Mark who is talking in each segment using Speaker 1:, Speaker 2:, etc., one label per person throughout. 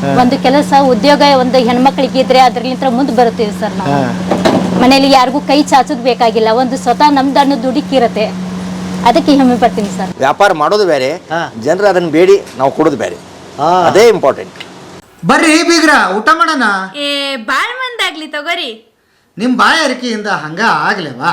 Speaker 1: ಒಂದು ಕೆಲಸ ಉದ್ಯೋಗ ಒಂದು ಹೆಣ್ಮಕ್ಳಿಗೆ ಇದ್ರೆ ಅದ್ರಲ್ಲಿಂದ ಮುಂದೆ ಬರುತ್ತೀವಿ ಸರ್ ನಾವು. ಮನೇಲಿ ಯಾರಿಗೂ ಕೈ ಚಾಚೋದು ಬೇಕಾಗಿಲ್ಲ, ಒಂದು ಸ್ವತಃ ನಮ್ದು ಅನ್ನೋ ದುಡುಕಿರತ್ತೆ, ಅದಕ್ಕೆ ಹೆಮ್ಮೆ ಪಡ್ತೀನಿ ಸರ್.
Speaker 2: ವ್ಯಾಪಾರ ಮಾಡೋದು ಬೇರೆ, ಜನರು ಅದನ್ನ ಬೇಡಿ ನಾವು ಕೊಡೋದು ಬೇರೆ, ಅದೇ ಇಂಪಾರ್ಟೆಂಟ್.
Speaker 3: ಬರ್ರಿ ಬೀಗ್ರ, ಊಟ ಮಾಡೋಣ.
Speaker 4: ಬಾಳ್ ಮಂದಾಗ್ಲಿ ತಗೋರಿ.
Speaker 3: ನಿಮ್ಮ ಬಾಯಾರಿಕೆಯಿಂದ ಹಂಗ ಆಗ್ಲೇವಾ?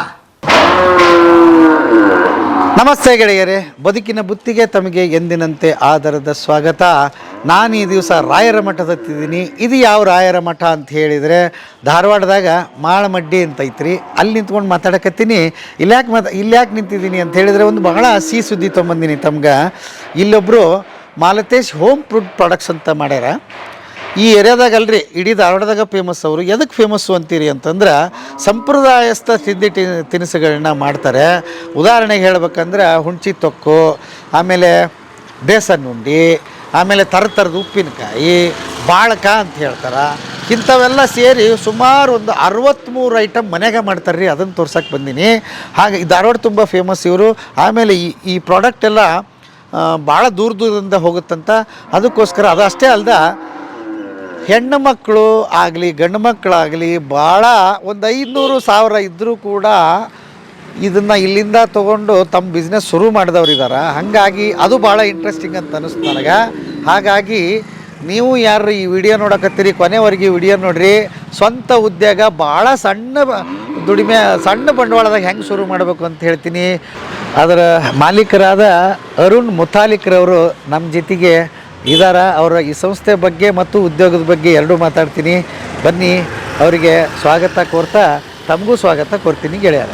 Speaker 3: ನಮಸ್ತೆ ಗೆಳೆಯರೇ, ಬದುಕಿನ ಬುತ್ತಿಗೆ ತಮಗೆ ಎಂದಿನಂತೆ ಆಧಾರದ ಸ್ವಾಗತ. ನಾನು ಈ ದಿವಸ ರಾಯರ ಮಠದತ್ತಿದ್ದೀನಿ. ಇದು ಯಾವ ರಾಯರ ಮಠ ಅಂತ ಹೇಳಿದರೆ ಧಾರವಾಡದಾಗ ಮಾಳಮಡ್ಡಿ ಅಂತ ಐತ್ರಿ. ಅಲ್ಲಿ ನಿಂತ್ಕೊಂಡು ಮಾತಾಡಕತ್ತೀನಿ. ಇಲ್ಯಾಕೆ ನಿಂತಿದ್ದೀನಿ ಅಂತ ಹೇಳಿದರೆ ಒಂದು ಬಹಳ ಸಿಹಿ ಸುದ್ದಿ ತೊಗೊಂಬಂದಿನಿ ತಮ್ಗೆ. ಇಲ್ಲೊಬ್ಬರು ಮಾಲತೇಶ್ ಹೋಮ್ ಫುಡ್ ಪ್ರಾಡಕ್ಟ್ಸ್ ಅಂತ ಮಾಡ್ಯಾರ. ಈ ಏರಿಯಾದಾಗ ಅಲ್ರಿ, ಇಡೀ ಧಾರವಾಡದಾಗ ಫೇಮಸ್. ಅವರು ಎದಕ್ಕೆ ಫೇಮಸ್ಸು ಅಂತೀರಿ ಅಂತಂದ್ರೆ ಸಂಪ್ರದಾಯಸ್ಥ ತಿಂಡಿ ತಿನಿಸುಗಳನ್ನ ಮಾಡ್ತಾರೆ. ಉದಾಹರಣೆಗೆ ಹೇಳ್ಬೇಕಂದ್ರೆ ಹುಣ್ಚಿ ತೊಕ್ಕು, ಆಮೇಲೆ ಬೇಸನ್ ಉಂಡಿ, ಆಮೇಲೆ ಥರದ ಉಪ್ಪಿನಕಾಯಿ, ಬಾಳಕ ಅಂತ ಹೇಳ್ತಾರೆ. ಇಂಥವೆಲ್ಲ ಸೇರಿ ಸುಮಾರು ಒಂದು 63 ಐಟಮ್ ಮನೆಗೆ ಮಾಡ್ತಾರೆ ರೀ. ಅದನ್ನು ತೋರ್ಸಕ್ಕೆ ಬಂದೀನಿ. ಹಾಗೆ ಈ ಧಾರವಾಡ ತುಂಬ ಫೇಮಸ್ ಇವರು. ಆಮೇಲೆ ಈ ಪ್ರಾಡಕ್ಟ್ ಎಲ್ಲ ಭಾಳ ದೂರದಿಂದ ಹೋಗುತ್ತಂತ. ಅದಕ್ಕೋಸ್ಕರ ಅದು ಅಷ್ಟೇ ಅಲ್ದ, ಹೆಣ್ಣು ಮಕ್ಕಳು ಆಗಲಿ ಗಂಡು ಮಕ್ಕಳಾಗಲಿ ಭಾಳ ಒಂದು 500,000 ಇದ್ದರೂ ಕೂಡ ಇದನ್ನು ಇಲ್ಲಿಂದ ತೊಗೊಂಡು ತಮ್ಮ ಬಿಸ್ನೆಸ್ ಶುರು ಮಾಡಿದವ್ರಿದ್ದಾರೆ. ಹಾಗಾಗಿ ಅದು ಭಾಳ ಇಂಟ್ರೆಸ್ಟಿಂಗ್ ಅಂತ ಅನ್ನಿಸ್ತು ನನಗೆ. ಹಾಗಾಗಿ ನೀವು ಯಾರು ಈ ವಿಡಿಯೋ ನೋಡಕತ್ತೀರಿ, ಕೊನೆವರೆಗೆ ವಿಡಿಯೋ ನೋಡಿರಿ. ಸ್ವಂತ ಉದ್ಯೋಗ ಭಾಳ ಸಣ್ಣ ದುಡಿಮೆ, ಸಣ್ಣ ಬಂಡವಾಳದಾಗ ಹೆಂಗೆ ಶುರು ಮಾಡಬೇಕು ಅಂತ ಹೇಳ್ತೀನಿ. ಅದರ ಮಾಲೀಕರಾದ ಅರುಣ್ ಮುತಾಲಿಕ್ರವರು ನಮ್ಮ ಜೊತೆಗೆ ಇದಾರ. ಅವರ ಈ ಸಂಸ್ಥೆ ಬಗ್ಗೆ ಮತ್ತು ಉದ್ಯೋಗದ ಬಗ್ಗೆ ಎರಡೂ ಮಾತಾಡ್ತೀನಿ. ಬನ್ನಿ, ಅವರಿಗೆ ಸ್ವಾಗತ ಕೋರ್ತಾ ತಮಗೂ ಸ್ವಾಗತ ಕೋರ್ತೀನಿ ಗೆಳೆಯರ.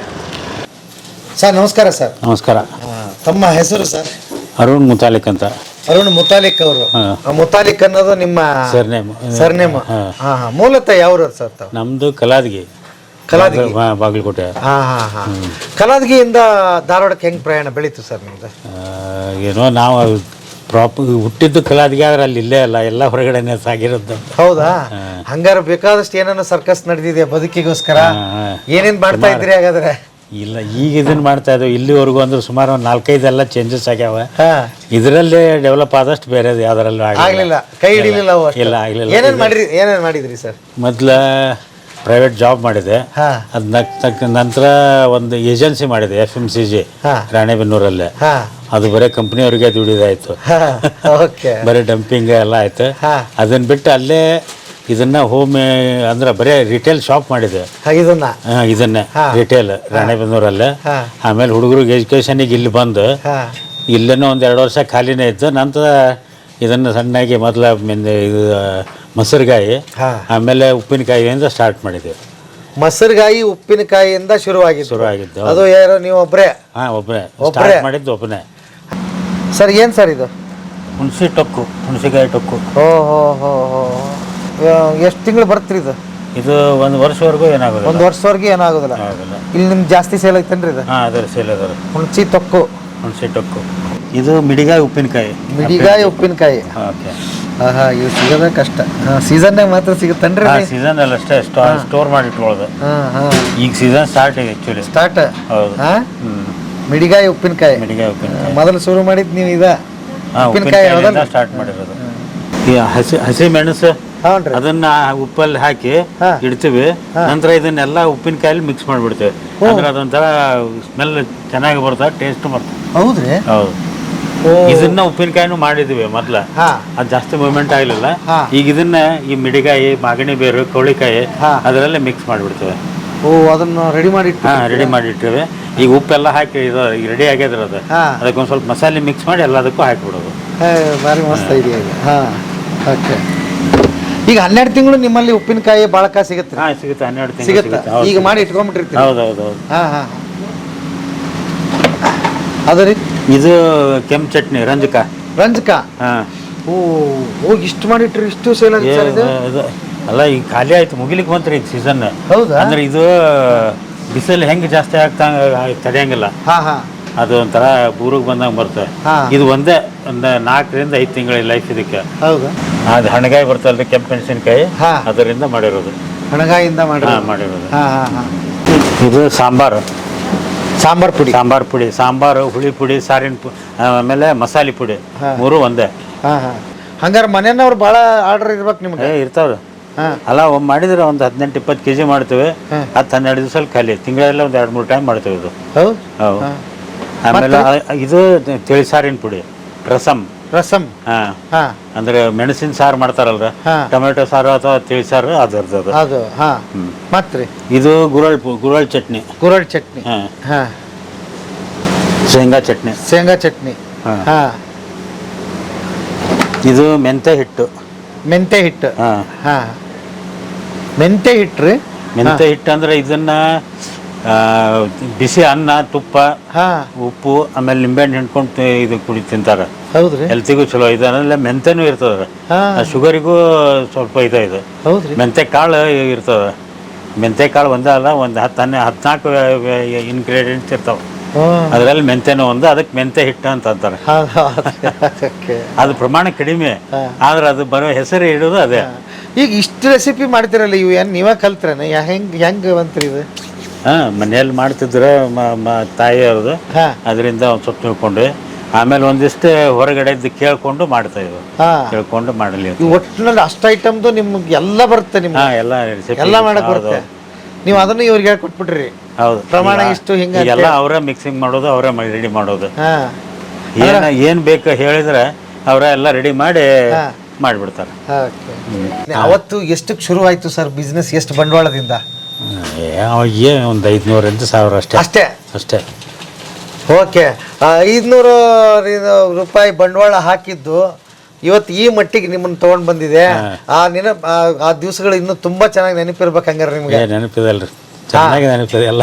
Speaker 3: ಸರ್ ನಮಸ್ಕಾರ. ಸರ್
Speaker 5: ನಮಸ್ಕಾರ.
Speaker 3: ತಮ್ಮ ಹೆಸರು ಸರ್?
Speaker 5: ಅರುಣ್ ಮುತಾಲಿಕ್ ಅಂತ.
Speaker 3: ಅರುಣ್ ಮುತಾಲಿಕ್ ಅವರು. ಮುತಾಲಿಕ್ ಅನ್ನೋದು ನಿಮ್ಮ ಸರ್ನೇಮ್? ಮೂಲತಃ ಯಾವ್ರು ಸರ್ ತಾವು?
Speaker 5: ನಮ್ದು ಕಲಾದಗಿ. ಬಾಗಲಕೋಟೆ.
Speaker 3: ಕಲಾದಗಿಯಿಂದ ಧಾರವಾಡಕ್ಕೆ ಹೆಂಗ್ ಪ್ರಯಾಣ ಬೆಳೀತು ಸರ್ ನಿಮ್ದು?
Speaker 5: ಏನೋ ನಾವು ಹುಟ್ಟಿದ್ದು ಕಲಾದಗಿ, ಆದ್ರೆ ಅಲ್ಲಿ ಇಲ್ಲೇ ಅಲ್ಲ, ಎಲ್ಲ ಹೊರಗಡೆನೆ ಸಾಗಿರೋದು.
Speaker 3: ಹೌದಾ? ಹಂಗಾರ ಬೇಕಾದಷ್ಟು ಏನೇನೋ ಸರ್ಕಸ್ ನಡೆದಿದೆ ಬದುಕಿಗೋಸ್ಕರ. ಏನೇನ್ ಮಾಡ್ತಾ ಇದ್ರಿ ಹಾಗಾದ್ರೆ?
Speaker 5: ಇಲ್ಲ, ಈಗ ಇದನ್ನ ಮಾಡ್ತಾ ಇದ್ದೇವೆ. ಇಲ್ಲಿವರೆಗೂ ಅಂದ್ರೆ ಸುಮಾರು ಒಂದು 4-5 ಎಲ್ಲ ಚೇಂಜಸ್ ಆಗ್ಯಾವ. ಇದರಲ್ಲೇ ಡೆವಲಪ್ ಆದಷ್ಟು ಬೇರೆ ಯಾವ್ದ್ರಲ್ಲೂ
Speaker 3: ಆಗ್ಲಿಲ್ಲ, ಕೈ ಹಿಡಿಲಿಲ್ಲ.
Speaker 5: ಇಲ್ಲ, ಆಗ್ಲಿಲ್ಲ.
Speaker 3: ಏನೇನ್ ಮಾಡಿದ್ರಿ ಸರ್?
Speaker 5: ಮೊದ್ಲ ಪ್ರೈವೇಟ್ ಜಾಬ್ ಮಾಡಿದೆ. ಅದ್ ನಂತರ ಒಂದು ಏಜೆನ್ಸಿ ಮಾಡಿದೆ, FMCG ರಾಣೆಬೆನ್ನೂರಲ್ಲೇ. ಅದು ಬರೀ ಕಂಪ್ನಿಯವ್ರಿಗೆ ದುಡಿದಾಯ್ತು, ಬರೀ ಡಂಪಿಂಗ್ ಎಲ್ಲ ಆಯ್ತು. ಅದನ್ನ ಬಿಟ್ಟು ಅಲ್ಲೇ ಇದನ್ನ ಹೋಮ್ ಅಂದ್ರೆ ಬರೀ ರಿಟೇಲ್ ಶಾಪ್ ಮಾಡಿದೆ. ಇದನ್ನೇ ರಿಟೇಲ್ ರಾಣೆಬೆನ್ನೂರಲ್ಲೇ. ಆಮೇಲೆ ಹುಡುಗರಿಗೆ ಎಜುಕೇಶನಿಗೆ ಇಲ್ಲಿ ಬಂದು ಇಲ್ಲೇನೋ ಒಂದು 2 ವರ್ಷ ಖಾಲಿನೇ ಇತ್ತು. ನಂತರ ಇದನ್ನು ಸಣ್ಣಾಗಿ ಮೊದಲ ಇದು ಮೊಸರುಗಾಯಿ, ಆಮೇಲೆ ಉಪ್ಪಿನಕಾಯಿಯಿಂದ ಸ್ಟಾರ್ಟ್ ಮಾಡಿದ್ವಿ.
Speaker 3: ಮೊಸರುಗಾಯಿ ಉಪ್ಪಿನಕಾಯಿಯಿಂದ ಶುರುವಾಗಿದ್ದು. ಅದು ಯಾರು ನೀವು ಒಬ್ಬರೇ?
Speaker 5: ಒಬ್ಬನೇ ಸ್ಟಾರ್ಟ್ ಮಾಡಿದ್ದು, ಒಬ್ಬನೇ.
Speaker 3: ಸರ್ ಏನು ಸರ್ ಇದು?
Speaker 5: ಹುಣಸಿಕಾಯಿ ಟೊಕ್ಕು.
Speaker 3: ಎಷ್ಟು ತಿಂಗಳು ಬರ್ತೀರಿ ಇದು?
Speaker 5: ಇದು 1 ವರ್ಷವರೆಗೂ ಏನಾಗೋದು?
Speaker 3: 1 ವರ್ಷವರೆಗೆ ಏನಾಗೋದಿಲ್ಲ. ಇಲ್ಲಿ ನಿಮ್ಗೆ ಜಾಸ್ತಿ ಸೇಲ್ ಐತೇನ್ರಿ ಇದು?
Speaker 5: ಅದರ ಸೇಲ್ ಅದ.
Speaker 3: ಹುಣಸಿ ಟೊಕ್ಕು.
Speaker 5: ಇದು ಮಿಡಿಗಾಯಿ ಉಪ್ಪಿನಕಾಯಿ.
Speaker 3: ಓಕೆ. ಇದು ಸಿಗೋದ ಕಷ್ಟ. ಸೀಸನ್ನಾಗ ಮಾತ್ರ ಸಿಗುತ್ತೇನ್ರಿ?
Speaker 5: ಸೀಸನ್ ಅಲ್ಲಿ ಅಷ್ಟೇ ಸ್ಟೋರ್ ಮಾಡಿ ಇಟ್ಕೊಳ್ಳೋದು. ಈಗ ಸೀಸನ್ ಸ್ಟಾರ್ಟ್ ಇದೆ ಆಕ್ಚುಲಿ. ಹೌದು.
Speaker 3: ಮಿಡಿಗಾಯಿ ಉಪ್ಪಿನಕಾಯಿ ಮೊದಲು ಶುರು ಮಾಡಿದ್ ನೀವು? ಉಪ್ಪಿನಕಾಯಿ
Speaker 5: ಸ್ಟಾರ್ಟ್ ಮಾಡಿರೋದು. ಹಸಿ ಮೆಣಸು ಅದನ್ನ ಉಪ್ಪಲ್ಲಿ ಹಾಕಿ ಇಡ್ತೀವಿ. ನಂತರ ಇದನ್ನೆಲ್ಲ ಉಪ್ಪಿನಕಾಯಲ್ಲಿ ಮಿಕ್ಸ್ ಮಾಡಿಬಿಡ್ತೇವೆ. ಅಂದ್ರೆ ಅದೊಂಥರ ಸ್ಮೆಲ್ ಚೆನ್ನಾಗಿ ಬರ್ತದೆ, ಟೇಸ್ಟ್ ಬರ್ತದೆ.
Speaker 3: ಹೌದ್ರಿ?
Speaker 5: ಹೌದು. ಇದನ್ನ ಉಪ್ಪಿನಕಾಯಿನೂ ಮಾಡಿದ್ವಿ ಮೊದ್ಲ, ಅದು ಜಾಸ್ತಿ ಮೂವ್ಮೆಂಟ್ ಆಗ್ಲಿಲ್ಲ. ಈಗ ಇದನ್ನ ಈ ಮಿಡಿಗಾಯಿ, ಮಾಗಣಿ ಬೇರು, ಕೌಳಿಕಾಯಿ ಅದರಲ್ಲೇ ಮಿಕ್ಸ್ ಮಾಡಿಬಿಡ್ತೇವೆ.
Speaker 3: ಅದನ್ನ ರೆಡಿ
Speaker 5: ಮಾಡಿಟ್ಟಿವಿ. ಈಗ ಉಪ್ಪೆಲ್ಲ ಹಾಕಿ ಇದು ರೆಡಿ ಆಗ್ಯದ್ರ ಅದು. ಅದಕ್ಕೊಂದು ಸ್ವಲ್ಪ ಮಸಾಲೆ ಮಿಕ್ಸ್ ಮಾಡಿ ಎಲ್ಲದಕ್ಕೂ ಹಾಕಿಬಿಡೋದು.
Speaker 3: ಭಾರಿ ಮಸ್ತ್ ಐಡಿಯಾ. ಓಕೆ. ಈಗ 12 ತಿಂಗಳು ನಿಮ್ಮಲ್ಲಿ ಉಪ್ಪಿನಕಾಯಿ ಬಾಳಕ ಸಿಗುತ್ತೆ?
Speaker 5: ಸಿಗುತ್ತೆ. 12 ತಿಂಗಳು
Speaker 3: ಸಿಗುತ್ತೆ. ಈಗ ಮಾಡಿ ಇಟ್ಕೊಂಡ್ಬಿಟ್ಟಿರ್ತೀವಿ.
Speaker 5: ಹೌದೌದು.
Speaker 3: ಅದು ರೀ,
Speaker 5: ಇದು ಕೆಂಪು ಚಟ್ನಿ ರಂಜಕ.
Speaker 3: ಇಷ್ಟು ಮಾಡಿಟ್ರಿ, ಇಷ್ಟು ಸೇಲ್ ಆಗುತ್ತೆ
Speaker 5: ಅಲ್ಲ. ಈಗ ಖಾಲಿ ಆಯ್ತು, ಮುಗಿಲಿಕ್ಕೆ ಬಂತ್ರಿ ಈಗ ಸೀಸನ್. ಅಂದ್ರೆ ಇದು ಬಿಸಿಲು ಹೆಂಗೆ ಜಾಸ್ತಿ ಆಗ್ತಾ ತಡೆಯಂಗಿಲ್ಲ. ಅದು ಒಂಥರ ಬೂರಿಗೆ ಬಂದಂಗೆ ಬರ್ತದೆ. ಇದು ಒಂದೇ ಒಂದು 4ರಿಂದ 5 ತಿಂಗಳ ಲೈಫ್ ಇದಕ್ಕೆ. ಅದು ಹಣಗಾಯಿ ಬರ್ತಲ್ರಿ, ಕೆಂಪು ಮೆಣಸಿನಕಾಯಿ, ಅದರಿಂದ ಮಾಡಿರೋದು.
Speaker 3: ಹಣಗಾಯಿಂದ
Speaker 5: ಮಾಡಿರೋದು. ಇದು ಸಾಂಬಾರು ಪುಡಿ, ಸಾಂಬಾರು, ಹುಳಿ ಪುಡಿ, ಸಾರಿನ ಪುಡಿ, ಆಮೇಲೆ ಮಸಾಲೆ ಪುಡಿ, 3 ಒಂದೇ.
Speaker 3: ಹಂಗಾರೆ ಮನೆಯವ್ರು ಭಾಳ ಆರ್ಡರ್ ಇರ್ಬೇಕು ನಿಮ್ಗೆ.
Speaker 5: ಇರ್ತಾವ್ರಿ. ಅಲ್ಲ ಒಮ್ಮೆ ಮಾಡಿದ್ರೆ ಒಂದು 18-20 kg ಮಾಡ್ತೇವೆ. 10-12 ದಿವಸದಲ್ಲಿ ಖಾಲಿ. ತಿಂಗಳೆಲ್ಲ ಒಂದು 2-3 ಟೈಮ್ ಮಾಡ್ತೇವೆ ಇದು. ಹೌದು. ಆಮೇಲೆ ಇದು ತಿಳಿಸಾರಿನ ಪುಡಿ ರಸಮ್. ಅಂದ್ರೆ ಮೆಣಸಿನ ಸಾರು ಮಾಡ್ತಾರಲ್ರ, ಟೊಮೆಟೊ ಸಾರು ಅಥವಾ ತಿಳಿಸಾರು ಅದರದ್ದು ಅದು.
Speaker 3: ಮತ್ತೆ
Speaker 5: ಇದು ಗುರಳ್ ಚಟ್ನಿ. ಶೇಂಗಾ ಚಟ್ನಿ. ಇದು ಮೆಂತೆ ಹಿಟ್ಟು.
Speaker 3: ಮೆಂತೆ ಹಿಟ್ರಿ.
Speaker 5: ಮೆಂತೆ ಹಿಟ್ಟು ಅಂದ್ರೆ ಇದನ್ನ ಬಿಸಿ ಅನ್ನ, ತುಪ್ಪ, ಉಪ್ಪು, ಆಮೇಲೆ ನಿಂಬೆಹಣ್ಣು ಹಿಂಡ್ಕೊಂಡು ಇದು ಕುಡಿ ತಿಂತಾರ.
Speaker 3: ಹೌದ್ರಿ.
Speaker 5: ಹೆಲ್ತಿಗೂ ಚಲೋ. ಇದನ್ನೆಲ್ಲ ಮೆಂತೆನೂ ಇರ್ತದ, ಶುಗರಿಗೂ ಸ್ವಲ್ಪ ಇದು. ಮೆಂತೆ ಕಾಳು ಇರ್ತದ. ಮೆಂತೆ ಕಾಳು ಒಂದೇ ಅಲ್ಲ, ಒಂದು 14 ಇಂಗ್ರೀಡಿಯೆಂಟ್ಸ್ ಇರ್ತಾವ. ಅದರಲ್ಲಿ ಮೆಂತೆನೂ ಒಂದು. ಅದಕ್ಕೆ ಮೆಂತೆ ಹಿಟ್ಟು ಅಂತ ಅಂತಾರೆ. ಅದು ಪ್ರಮಾಣ ಕಡಿಮೆ, ಆದ್ರೆ ಅದು ಬರೋ ಹೆಸರು ಇಡೋದು ಅದೇ.
Speaker 3: ಈಗ ಇಷ್ಟು ರೆಸಿಪಿ ಮಾಡ್ತಿರಲ್ಲ, ಇವು ಏನು ನೀವೇ ಕಲ್ತ್ರೇನ? ಹೆಂಗೆ ಬಂತ್ರಿ ಇದು?
Speaker 5: ಮನೆಯಲ್ಲಿ ಮಾಡ್ತಿದ್ರು ತಾಯಿಯವ್ರದ್ದು. ಅದರಿಂದ ಒಂದು ಸ್ವಲ್ಪ ತಿಳ್ಕೊಂಡ್ವಿ. ಆಮೇಲೆ ಒಂದಿಷ್ಟು ಹೊರಗಡೆ ಕೇಳ್ಕೊಂಡು ಮಾಡ್ತಾ ಇದ್ವು. ಕೇಳ್ಕೊಂಡು ಮಾಡಲಿ.
Speaker 3: ಒಟ್ಟಿನಲ್ಲಿ ಅಷ್ಟು ಐಟಮ್ದು ನಿಮ್ಗೆ ಎಲ್ಲ ಬರುತ್ತೆ ನಿಮ್ಗೆ? ಎಲ್ಲ ಮಾಡಕ್ ಬರುತ್ತೆ. ನೀವು ಅದನ್ನು ಇವ್ರಿಗೆ ಹೇಳ್ಕೊಟ್ಬಿಟ್ರಿ?
Speaker 5: ಹೌದು.
Speaker 3: ಪ್ರಮಾಣ ಇಷ್ಟು ಹಿಂಗೆ
Speaker 5: ಎಲ್ಲ ಅವರೇ ಮಿಕ್ಸಿಂಗ್ ಮಾಡೋದು, ಅವರೇ ರೆಡಿ ಮಾಡೋದು. ಏನ್ ಬೇಕು ಹೇಳಿದ್ರೆ ಅವರ ಎಲ್ಲ ರೆಡಿ ಮಾಡಿ ಮಾಡಿಬಿಡ್ತಾರೆ.
Speaker 3: ಅವತ್ತು ಎಷ್ಟಕ್ಕೆ ಶುರು ಆಯ್ತು ಸರ್ ಬಿಸ್ನೆಸ್? ಎಷ್ಟು ಬಂಡವಾಳದಿಂದ?
Speaker 5: ಒಂದು 500-1000 ಅಷ್ಟೇ.
Speaker 3: ಓಕೆ. 500 ರೂಪಾಯಿ ಬಂಡವಾಳ ಹಾಕಿದ್ದು ಇವತ್ತು ಈ ಮಟ್ಟಿಗೆ ನಿಮ್ಮನ್ನು ತಗೊಂಡ್ ಬಂದಿದೆ. ಆ ದಿವಸಗಳು ಇನ್ನೂ ತುಂಬಾ ಚೆನ್ನಾಗಿ ನೆನಪಿರ್ಬೇಕು ಹಂಗಾರೆ ನಿಮ್ಗೆ?
Speaker 5: ನೆನಪಿದಲ್ರಿ, ಚೆನ್ನಾಗಿ ನೆನಪಿದೆ ಎಲ್ಲ.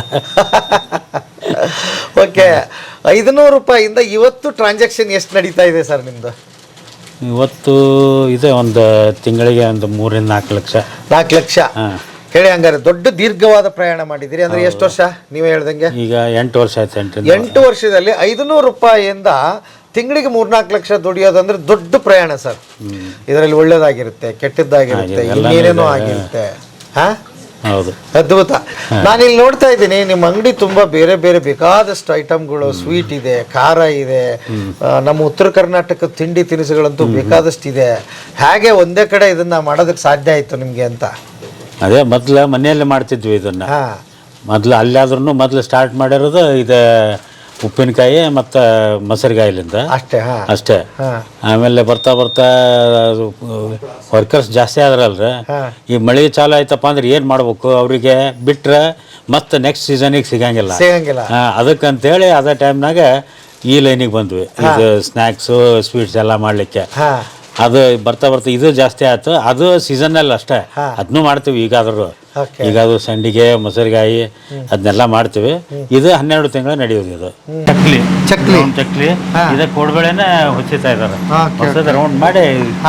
Speaker 3: ಓಕೆ. 500 ರೂಪಾಯಿಂದ ಇವತ್ತು ಟ್ರಾನ್ಸಾಕ್ಷನ್ ಎಷ್ಟು ನಡೀತಾ ಇದೆ ಸರ್ ನಿಮ್ದು?
Speaker 5: ಇವತ್ತು ಇದೆ ಒಂದು ತಿಂಗಳಿಗೆ ಒಂದು 3-4 ಲಕ್ಷ.
Speaker 3: 4 ಲಕ್ಷ ಹೇಳಿ. ಹಂಗಾರೆ ದೊಡ್ಡ ದೀರ್ಘವಾದ ಪ್ರಯಾಣ ಮಾಡಿದಿರಿ. ಅಂದ್ರೆ ಎಷ್ಟು ವರ್ಷ ನೀವೇ ಹೇಳ್ದಂಗೆ?
Speaker 5: ಈಗ 8 ವರ್ಷ ಆಯ್ತು.
Speaker 3: 8 ವರ್ಷದಲ್ಲಿ 500 ರೂಪಾಯಿಯಿಂದ ತಿಂಗಳಿಗೆ 3-4 ಲಕ್ಷ ದುಡಿಯೋದಂದ್ರೆ ದೊಡ್ಡ ಪ್ರಯಾಣ ಸರ್. ಇದರಲ್ಲಿ ಒಳ್ಳೇದಾಗಿರುತ್ತೆ, ಕೆಟ್ಟದ್ದಾಗಿರುತ್ತೆ, ಇನ್ನೇನೇನೋ ಆಗಿರುತ್ತೆ.
Speaker 5: ಹೌದು,
Speaker 3: ಅದ್ಭುತ. ನಾನಿಲ್ಲಿ ನೋಡ್ತಾ ಇದ್ದೀನಿ ನಿಮ್ಮ ಅಂಗಡಿ ತುಂಬಾ ಬೇರೆ ಬೇರೆ ಬೇಕಾದಷ್ಟು ಐಟಮ್ಗಳು. ಸ್ವೀಟ್ ಇದೆ, ಖಾರ ಇದೆ, ನಮ್ಮ ಉತ್ತರ ಕರ್ನಾಟಕದ ತಿಂಡಿ ತಿನಿಸುಗಳಂತೂ ಬೇಕಾದಷ್ಟು ಇದೆ. ಹೇಗೆ ಒಂದೇ ಕಡೆ ಇದನ್ನ ಮಾಡೋದಕ್ಕೆ ಸಾಧ್ಯ ಆಯ್ತು ನಿಮ್ಗೆ ಅಂತ?
Speaker 5: ಅದೇ ಮೊದ್ಲು ಮನೆಯಲ್ಲೇ ಮಾಡ್ತಿದ್ವಿ ಇದನ್ನ. ಮೊದ್ಲು ಅಲ್ಲಾದ್ರೂ ಮೊದ್ಲು ಸ್ಟಾರ್ಟ್ ಮಾಡಿರೋದು ಇದು ಉಪ್ಪಿನಕಾಯಿ ಮತ್ತು ಮೊಸರಿಗಾಯಿಲಿಂದ ಅಷ್ಟೇ. ಆಮೇಲೆ ಬರ್ತಾ ವರ್ಕರ್ಸ್ ಜಾಸ್ತಿ ಆದ್ರಲ್ರಿ. ಈ ಮಳೆ ಚಾಲು ಆಯ್ತಪ್ಪ ಅಂದ್ರೆ ಏನು ಮಾಡ್ಬೇಕು? ಅವರಿಗೆ ಬಿಟ್ರೆ ಮತ್ತೆ ನೆಕ್ಸ್ಟ್ ಸೀಸನಿಗೆ ಸಿಗಂಗಿಲ್ಲ. ಅದಕ್ಕಂತೇಳಿ ಅದೇ ಟೈಮ್ನಾಗ ಈ ಲೈನಿಗೆ ಬಂದ್ವಿ. ಇದು ಸ್ನ್ಯಾಕ್ಸು, ಸ್ವೀಟ್ಸ್ ಎಲ್ಲ ಮಾಡಲಿಕ್ಕೆ. ಅದು ಬರ್ತಾ ಇದು ಜಾಸ್ತಿ ಆಯ್ತು. ಅದು ಸೀಸನ್ನಲ್ಲಿ ಅಷ್ಟೇ. ಅದನ್ನೂ ಮಾಡ್ತೀವಿ ಈಗಾದ್ರೂ ಸಂಡಿಗೆ, ಮೊಸರಿಗಾಯಿ ಅದನ್ನೆಲ್ಲ ಮಾಡ್ತೀವಿ. ಇದು 12 ತಿಂಗಳು ನಡೆಯೋದು. ಇದು ಚಕ್ಲಿ ಇದಕ್ಕೆ ಕೋಡ್ಬೇಳೆನ ಹೊಚ್ಚಿತಾ ಇದ್ದಾರೆ. ಹೊಸದ ರೌಂಡ್ ಮಾಡಿ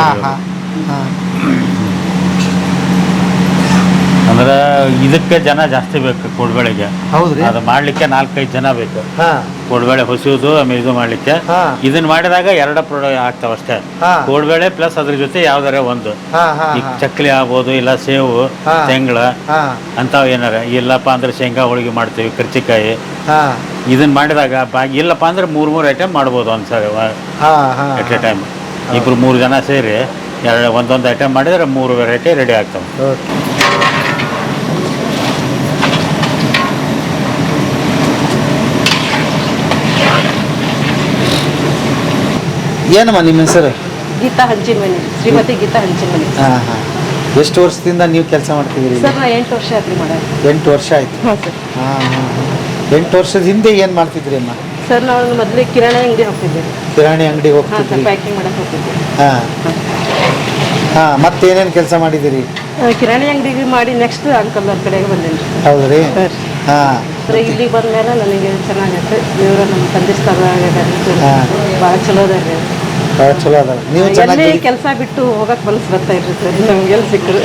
Speaker 5: ಅಂದ್ರೆ ಇದಕ್ಕೆ ಜನ ಜಾಸ್ತಿ ಬೇಕು ಕೋಡ್ಬೇಳೆಗೆ. ಅದು ಮಾಡ್ಲಿಕ್ಕೆ 4-5 ಜನ ಬೇಕು. ಕೋಡ್ಬೇಳೆ ಹೊಸಿಯೋದು, ಆಮೇಲೆ ಇದು ಮಾಡ್ಲಿಕ್ಕೆ. ಇದನ್ನ ಮಾಡಿದಾಗ 2 ಪ್ರಾಡಕ್ಟ್ ಆಗ್ತಾವ ಅಷ್ಟೇ. ಕೋಡ್ಬೇಳೆ ಪ್ಲಸ್ ಅದ್ರ ಜೊತೆ ಯಾವ್ದಾರ ಒಂದು. ಈಗ ಚಕ್ಲಿ ಆಗ್ಬೋದು, ಇಲ್ಲ ಸೇವು, ತೆಂಗಳ ಅಂತಾವ್ ಏನಾರ. ಇಲ್ಲಪ್ಪ ಅಂದ್ರೆ ಶೇಂಗಾ ಹೋಳಿಗೆ ಮಾಡ್ತೀವಿ, ಕರ್ಚಿಕಾಯಿ. ಇದನ್ನ ಮಾಡಿದಾಗ ಇಲ್ಲಪ್ಪ ಅಂದ್ರೆ 3 ಐಟಮ್ ಮಾಡ್ಬೋದು ಒಂದ್ಸರಿ ಎಟ್ ಎ ಟೈಮ್. 2-3 ಜನ ಸೇರಿ ಒಂದೊಂದು ಐಟಮ್ ಮಾಡಿದ್ರೆ 3 ವೆರೈಟಿ ರೆಡಿ ಆಗ್ತಾವೆ.
Speaker 3: ಏನಮ್ಮ ನಿಮ್ಮ ಹೆಸರು?
Speaker 6: ಗೀತಾ ಹಂಚಿನಮನಿ, ಶ್ರೀಮತಿ ಗೀತಾ ಹಂಚಿನಮನಿ.
Speaker 3: ಎಷ್ಟು ವರ್ಷದಿಂದ ನೀವು ಕೆಲಸ ಮಾಡ್ತಿದ್ದೀರಿ?
Speaker 6: ಸರ್, ನಾ 8 ವರ್ಷ ಆಯ್ತು ಮಾಡೋದು.
Speaker 3: 8 ವರ್ಷ ಆಯ್ತು. 8 ವರ್ಷದ ಹಿಂದೆ ಏನು ಮಾಡ್ತಿದ್ರಿ ಅಮ್ಮ?
Speaker 6: ಸರ್, ನಾವು ಮೊದಲೇ ಕಿರಾಣಿ ಅಂಗಡಿ ಹೋಗ್ತಿದ್ದೀವಿ.
Speaker 3: ಕಿರಾಣಿ ಅಂಗಡಿ ಹೋಗ್ತಿದ್ರಿ?
Speaker 6: ಪ್ಯಾಕಿಂಗ್ ಮಾಡಕ್ಕೆ ಹೋಗ್ತಿದ್ವಿ.
Speaker 3: ಮತ್ತೇನೇನು ಕೆಲಸ ಮಾಡಿದ್ದೀರಿ?
Speaker 6: ಕಿರಾಣಿ ಅಂಗಡಿಗೆ ಮಾಡಿ ನೆಕ್ಸ್ಟ್ ಅಂಕಲ್ ಅವ್ರ ಕಡೆಗೆ ಬಂದೇನಿ.
Speaker 3: ಹೌದ್ರಿ?
Speaker 6: ಇಲ್ಲಿಗೆ ಬಂದ್ಮೇಲೆ ನನಗೆ ಚೆನ್ನಾಗೈತೆ. ದೇವ್ರ ನಮ್ಮ ತಂದೆ ಸ್ಥಳ ಭಾಳ ಚಲೋ ಅದಾರೆ.
Speaker 3: ಭಾಳ ಚಲೋ ಅದ. ನೀವು
Speaker 6: ಎಲ್ಲಿ ಕೆಲಸ ಬಿಟ್ಟು ಹೋಗಕ್ಕೆ ಮನಸ್ಸು ಬರ್ತಾ ಇರ್ರಿ ಸರ್, ನಮ್ಗೆಲ್ಲ ಸಿಕ್ಕರು.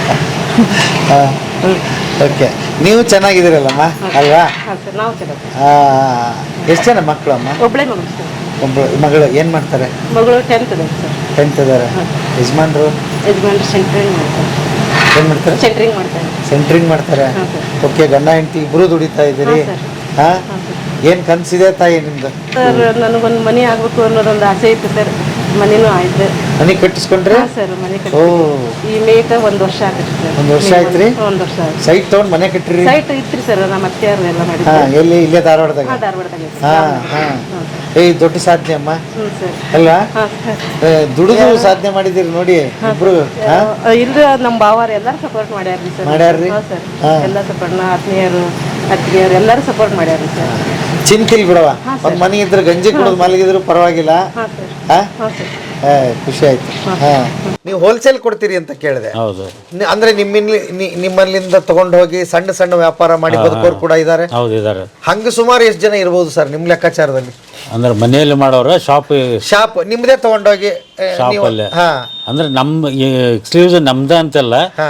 Speaker 3: ಓಕೆ. ನೀವು ಚೆನ್ನಾಗಿದ್ದೀರಲ್ಲಮ್ಮ ಅಲ್ವಾ?
Speaker 6: ಹಾಂ ಸರ್, ನಾವು ಚೆನ್ನಾಗಿ.
Speaker 3: ಎಷ್ಟು ಜನ ಮಕ್ಕಳು ಅಮ್ಮ?
Speaker 6: ಒಬ್ಬಳೇ ಮಗಳು ಸರ್.
Speaker 3: ಮಗಳು ಏನು ಮಾಡ್ತಾರೆ?
Speaker 6: ಮಗಳು 10th ಇದ್ದಾರೆ ಸರ್.
Speaker 3: 10th ಇದ್ದಾರೆ. ಯಜಮಾನ್ರು
Speaker 6: ಸೆಂಟ್ರಿಂಗ್ ಮಾಡ್ತಾರೆ.
Speaker 3: ಏನು ಮಾಡ್ತಾರೆ? ಸೆಂಟ್ರಿಂಗ್ ಮಾಡ್ತಾರೆ. ಓಕೆ. ಗಂಡ ಹೆಂಡತಿ ಇಬ್ಬರು ದುಡಿತಾ ಇದ್ದೀರಿ? ಏನು ಕನಸಿದೆ ತಾಯಿ ನಿಮ್ದು?
Speaker 6: ಸರ್, ನನಗೊಂದು ಮನೆ ಆಗಬೇಕು ಅನ್ನೋದೊಂದು ಆಸೆ ಇತ್ತು ಸರ್. ಮನೆನೂ ಆಯ್ತು.
Speaker 3: ಮನೆ ಕಟ್ಟಿಸ್ಕೊಂಡ್ರೆ?
Speaker 6: ಹಾಂ ಸರ್, ಮನೆ
Speaker 3: ಓ,
Speaker 6: ಈ ಮೇಕ 1 ವರ್ಷ ಆಗತ್ತೆ ಸರ್.
Speaker 3: 1 ವರ್ಷ ಆಯ್ತ್ರಿ?
Speaker 6: 1 ವರ್ಷ ಆಯ್ತು.
Speaker 3: ಸೈಟ್ ತೊಗೊಂಡು ಮನೆ ಕಟ್ಟಿರಿ?
Speaker 6: ಸೈಟ್ ಇತ್ರಿ ಸರ್, ನಮ್ಮ ಅತ್ತೆಯವ್ರು ಎಲ್ಲ
Speaker 3: ಹಾ,
Speaker 6: ಮಾಡಿದ್ರು.
Speaker 3: ಎಲ್ಲಿ? ಇಲ್ಲೇ ಧಾರವಾಡದಾಗ?
Speaker 6: ಹಾಂ, ಧಾರವಾಡದಾಗ ಐತೆ.
Speaker 3: ಹಾ ಹಾ. ದೊಡ್ಡ ಸಾಧನೆ ಅಮ್ಮ
Speaker 6: ಹ್ಞೂ ಸರ್.
Speaker 3: ಅಲ್ವಾ?
Speaker 6: ಹಾಂ ಸರ್.
Speaker 3: ದುಡಿದು ಸಾಧನೆ ಮಾಡಿದಿರಿ ನೋಡಿ ಇಬ್ರು.
Speaker 6: ಇಲ್ರಿ, ನಮ್ಮ ಭಾವಾರು ಎಲ್ಲರೂ ಸಪೋರ್ಟ್ ಮಾಡ್ಯಾರ್ರಿ ಸರ್.
Speaker 3: ಮಾಡ್ಯಾರ್ರಿ?
Speaker 6: ಹಾಂ ಸರ್, ಎಲ್ಲ ಸಪೋರ್ಟ್, ಆತ್ಮೀಯರು ಅತ್ತಿಗೆಯರು ಎಲ್ಲರೂ ಸಪೋರ್ಟ್ ಮಾಡ್ಯಾರ್ರಿ ಸರ್.
Speaker 3: ಚಿಂತಿಲ್ ಬಿಡವ, ಒಂದ್ ಮನೆ ಇದ್ರೆ ಗಂಜಿ ಕುಡಿದು ಮಲಗಿದ್ರು ಪರವಾಗಿಲ್ಲ.
Speaker 6: ಹಾಂ ಸರ್.
Speaker 3: ಹಾ?
Speaker 6: ಹಾಂ ಸರ್.
Speaker 3: ಖುಷಿ ಆಯ್ತು. ಹಾ. ನೀವು ಹೋಲ್ಸೇಲ್ ಕೊಡ್ತೀರಿ ಅಂತ ಕೇಳಿದೆ.
Speaker 5: ಹೌದು
Speaker 3: ಅಂದ್ರೆ ನಿಮ್ಮಲ್ಲಿಂದ ತಗೊಂಡು ಹೋಗಿ ಸಣ್ಣ ಸಣ್ಣ ವ್ಯಾಪಾರ ಮಾಡಿ ಬದುಕೋರು ಕೂಡ ಇದ್ದಾರೆ.
Speaker 5: ಹೌದು ಇದಾರೆ.
Speaker 3: ಹಂಗ ಸುಮಾರು ಎಷ್ಟು ಜನ ಇರ್ಬೋದು ಸರ್ ನಿಮ್ಮ ಲೆಕ್ಕಾಚಾರದಲ್ಲಿ?
Speaker 5: ಅಂದ್ರೆ ಮನೆಯಲ್ಲಿ ಮಾಡೋರು
Speaker 3: ಶಾಪ್ ನಿಮ್ದೇ ತಗೊಂಡೋಗಿ
Speaker 5: ಶಾಪಲ್ಲೇ.
Speaker 3: ಹಾ,
Speaker 5: ಅಂದ್ರೆ ನಮ್ಮ ಎಕ್ಸ್ಕ್ಲೂಸಿವ್ ನಮ್ದ ಅಂತಲ್ಲ,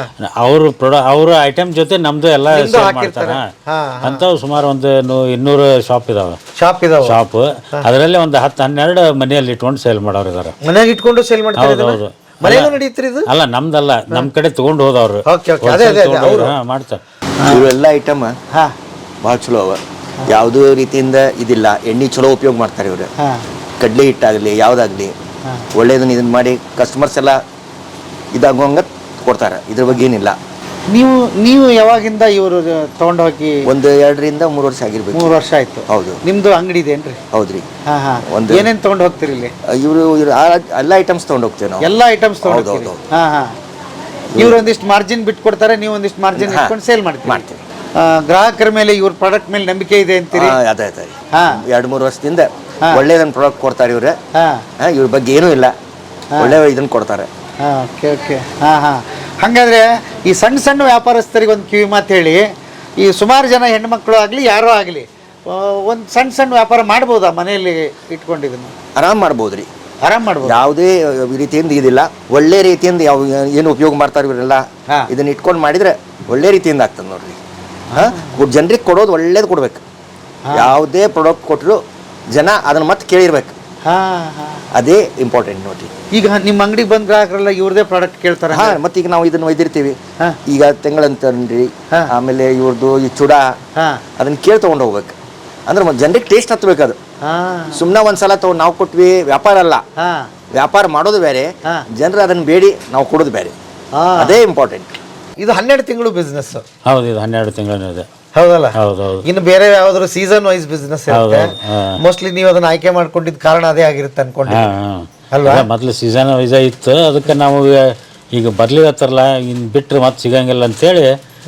Speaker 5: ಅವ್ರ ಐಟಮ್ ಜೊತೆ ನಮ್ದು ಎಲ್ಲ
Speaker 3: ನಿಮ್ದು
Speaker 5: ಸೇಲ್
Speaker 3: ಹಾಕಿರ್ತಾರೆ.
Speaker 5: ಮಾಡ್ತಾರ.
Speaker 3: ಹಾ,
Speaker 5: ಅಂಥವು ಸುಮಾರು ಒಂದು 200 ಶಾಪ್ ಇದಾವೆ.
Speaker 3: ಶಾಪ್ ಇದಾವ.
Speaker 5: ಶಾಪ್ ಅದರಲ್ಲಿ ಒಂದು 10-12 ಮನೆಯಲ್ಲಿ ಇಟ್ಕೊಂಡು ಸೇಲ್ ಮಾಡೋರು ಇದಾರೆ.
Speaker 3: ಮನೆಯಾಗ ಇಟ್ಕೊಂಡು ಸೇಲ್ ಮಾಡ್ತಾರೆ?
Speaker 5: ಹೌದು ಹೌದು.
Speaker 3: ಮನೆಗೂ ನಡೀತ್ರಿ ಇದು?
Speaker 5: ಅಲ್ಲ, ನಮ್ದಲ್ಲ, ನಮ್ ಕಡೆ ತಗೊಂಡು ಹೋದವ್ರು
Speaker 3: ಓಕೆ ಓಕೆ, ಅದೇ ಅದೇ ಅದೇ ಅವರು
Speaker 5: ಮಾಡ್ತಾರೆ.
Speaker 2: ಇವೆಲ್ಲ ಐಟಮ್
Speaker 3: ಹಾ
Speaker 2: ಭಾಳ ಚಲೋ ಅವ. ಯಾವುದೂ ರೀತಿಯಿಂದ ಇದಿಲ್ಲ. ಎಣ್ಣೆ ಚಲೋ ಉಪಯೋಗ ಮಾಡ್ತಾರೆ ಇವರು.
Speaker 3: ಹಾ
Speaker 2: ಕಡ್ಲೆ ಹಿಟ್ಟಾಗಲಿ ಯಾವುದಾಗಲಿ ಒಳ್ಳೇದನ್ನ ಇದನ್ನ ಮಾಡಿ ಕಸ್ಟಮರ್ಸ್ ಎಲ್ಲ ಇದಾಗುವಂಗ ಕೊಡ್ತಾರೆ. ಇದ್ರ ಬಗ್ಗೆ ಏನಿಲ್ಲ.
Speaker 3: ನೀವು ಯಾವಾಗಿಂದ ಇವರು ತಗೊಂಡು ಹೋಗಿ?
Speaker 2: ಒಂದು 2 ರಿಂದ 3 ವರ್ಷ ಆಗಿರ್ಬೇಕು.
Speaker 3: 3 ವರ್ಷ ಆಯ್ತು.
Speaker 2: ಹೌದು.
Speaker 3: ನಿಮ್ದು ಅಂಗಡಿ ಇದೇನ್ರಿ?
Speaker 2: ಹೌದ್ರಿ.
Speaker 3: ಹಾ ಹಾ. ಏನೇನ್ ತಗೊಂಡು ಹೋಗ್ತೀರಿ ಇಲ್ಲಿ?
Speaker 2: ಇವರು ಎಲ್ಲ ಐಟಮ್ಸ್ ತಗೊಂಡು ಹೋಗ್ತೇವೆ ನಾವು.
Speaker 3: ಎಲ್ಲ ಐಟಮ್ಸ್ ತಗೊಂಡು ಹೋಗ್ತೀರಿ? ಹಾ ಹಾ. ಇವ್ರು ಒಂದಿಷ್ಟು ಮಾರ್ಜಿನ್ ಬಿಟ್ಟು ಕೊಡ್ತಾರೆ, ನೀವು ಒಂದಿಷ್ಟು ಮಾರ್ಜಿನ್ ಇಟ್ಕೊಂಡು ಸೇಲ್ ಮಾಡ್ತೀವಿ. ಗ್ರಾಹಕರ ಮೇಲೆ ಇವ್ರ ಪ್ರಾಡಕ್ಟ್ ಮೇಲೆ ನಂಬಿಕೆ ಇದೆ ಅಂತೀರಿ?
Speaker 2: ಅದೇ
Speaker 3: ಹಾ.
Speaker 2: 2-3 ವರ್ಷದಿಂದ ಒಳ್ಳೇದನ್ನ ಪ್ರಾಡಕ್ಟ್ ಕೊಡ್ತಾರೆ ಇವ್ರೆ. ಇವ್ರ ಬಗ್ಗೆ ಏನೂ ಇಲ್ಲ, ಒಳ್ಳೆ ಇದನ್ನ ಕೊಡ್ತಾರೆ.
Speaker 3: Okay okay. ಹಾ ಹಾ. ಹಾಗಾದ್ರೆ ಈ ಸಣ್ಣ ಸಣ್ಣ ವ್ಯಾಪಾರಸ್ಥರಿಗೆ ಒಂದು ಕಿವಿ ಮಾತು ಹೇಳಿ. ಈ ಸುಮಾರು ಜನ ಹೆಣ್ಮಕ್ಳು ಆಗಲಿ ಯಾರೋ ಆಗಲಿ ಒಂದು ಸಣ್ಣ ವ್ಯಾಪಾರ ಮಾಡ್ಬೋದಾ ಮನೆಯಲ್ಲಿ ಇಟ್ಕೊಂಡಿದ್ದನ್ನು?
Speaker 2: ಆರಾಮ್ ಮಾಡ್ಬೋದ್ರಿ,
Speaker 3: ಆರಾಮ್ ಮಾಡ್ಬೋದು.
Speaker 2: ಯಾವುದೇ ರೀತಿಯಿಂದ ಇದಿಲ್ಲ. ಒಳ್ಳೆ ರೀತಿಯಿಂದ ಏನು ಉಪಯೋಗ ಮಾಡ್ತಾರೆ ಇವರೆಲ್ಲ, ಇದನ್ನ ಇಟ್ಕೊಂಡು ಮಾಡಿದ್ರೆ ಒಳ್ಳೆ ರೀತಿಯಿಂದ ಆಗ್ತದೆ ನೋಡ್ರಿ. ಜನರಿಗೆ ಕೊಡೋದು ಒಳ್ಳೇದು ಕೊಡ್ಬೇಕು. ಯಾವುದೇ ಪ್ರಾಡಕ್ಟ್ ಕೊಟ್ಟರು ಜನ ಅದನ್ನ ಮತ್ತೆ ಕೇಳಿರ್ಬೇಕು. ಅದೇ ಇಂಪಾರ್ಟೆಂಟ್ ನೋಡ್ರಿ.
Speaker 3: ಈಗ ನಿಮ್ಮ ಅಂಗಡಿಗೆ ಬಂದ ಗ್ರಾಹಕರೆಲ್ಲ ಇವ್ರದೇ ಪ್ರಾಡಕ್ಟ್ ಕೇಳ್ತಾರೆ.
Speaker 2: ಮತ್ತೆ ಈಗ ನಾವು ಇದನ್ನ ಒಯ್ದಿರ್ತೀವಿ. ಈಗ ತೆಂಗಳಂತನ್ರಿ, ಆಮೇಲೆ ಇವ್ರದ್ದು ಈ ಚೂಡ, ಅದನ್ನ ಕೇಳಿ ತಗೊಂಡು ಹೋಗ್ಬೇಕು. ಅಂದ್ರೆ ಜನರಿಗೆ ಟೇಸ್ಟ್ ಹತ್ಬೇಕು. ಅದು ಸುಮ್ಮನೆ ಒಂದ್ಸಲ ತಗೊಂಡು ನಾವು ಕೊಟ್ವಿ ವ್ಯಾಪಾರ ಅಲ್ಲ. ವ್ಯಾಪಾರ ಮಾಡೋದು ಬೇರೆ, ಜನರು ಅದನ್ನ ಬೇಡಿ ನಾವು ಕೊಡೋದು ಬೇರೆ. ಅದೇ ಇಂಪಾರ್ಟೆಂಟ್.
Speaker 3: ಇದು 12 ತಿಂಗಳು ಬಿಸ್ನೆಸ್.
Speaker 5: ಹೌದು, ಇದು 12 ತಿಂಗಳು ಇದೆ.
Speaker 3: ಹೌದಲ್ಲ?
Speaker 5: ಹೌದೌದು.
Speaker 3: ಇನ್ನು ಬೇರೆ ಯಾವ್ದಾದ್ರು ಸೀಸನ್ ವೈಸ್ ಬಿಸ್ನೆಸ್ ಇರುತ್ತೆ. ಮೋಸ್ಟ್ಲಿ ನೀವು ಅದನ್ನ ಆಯ್ಕೆ ಮಾಡ್ಕೊಂಡಿದ್ದ ಕಾರಣ ಅದೇ ಆಗಿರುತ್ತೆ ಅನ್ಕೊಂಡೆ ಅಲ್ವಾ?
Speaker 5: ಮೊದಲು ಸೀಸನ್ ವೈಸ್ ಇತ್ತು, ಅದಕ್ಕೆ ನಾವು ಈಗ ಬರ್ಲಿವತ್ತಾರಲ್ಲ, ಇನ್ನು ಬಿಟ್ಟರೆ ಮತ್ತೆ ಸಿಗಂಗಿಲ್ಲ ಅಂತೇಳಿ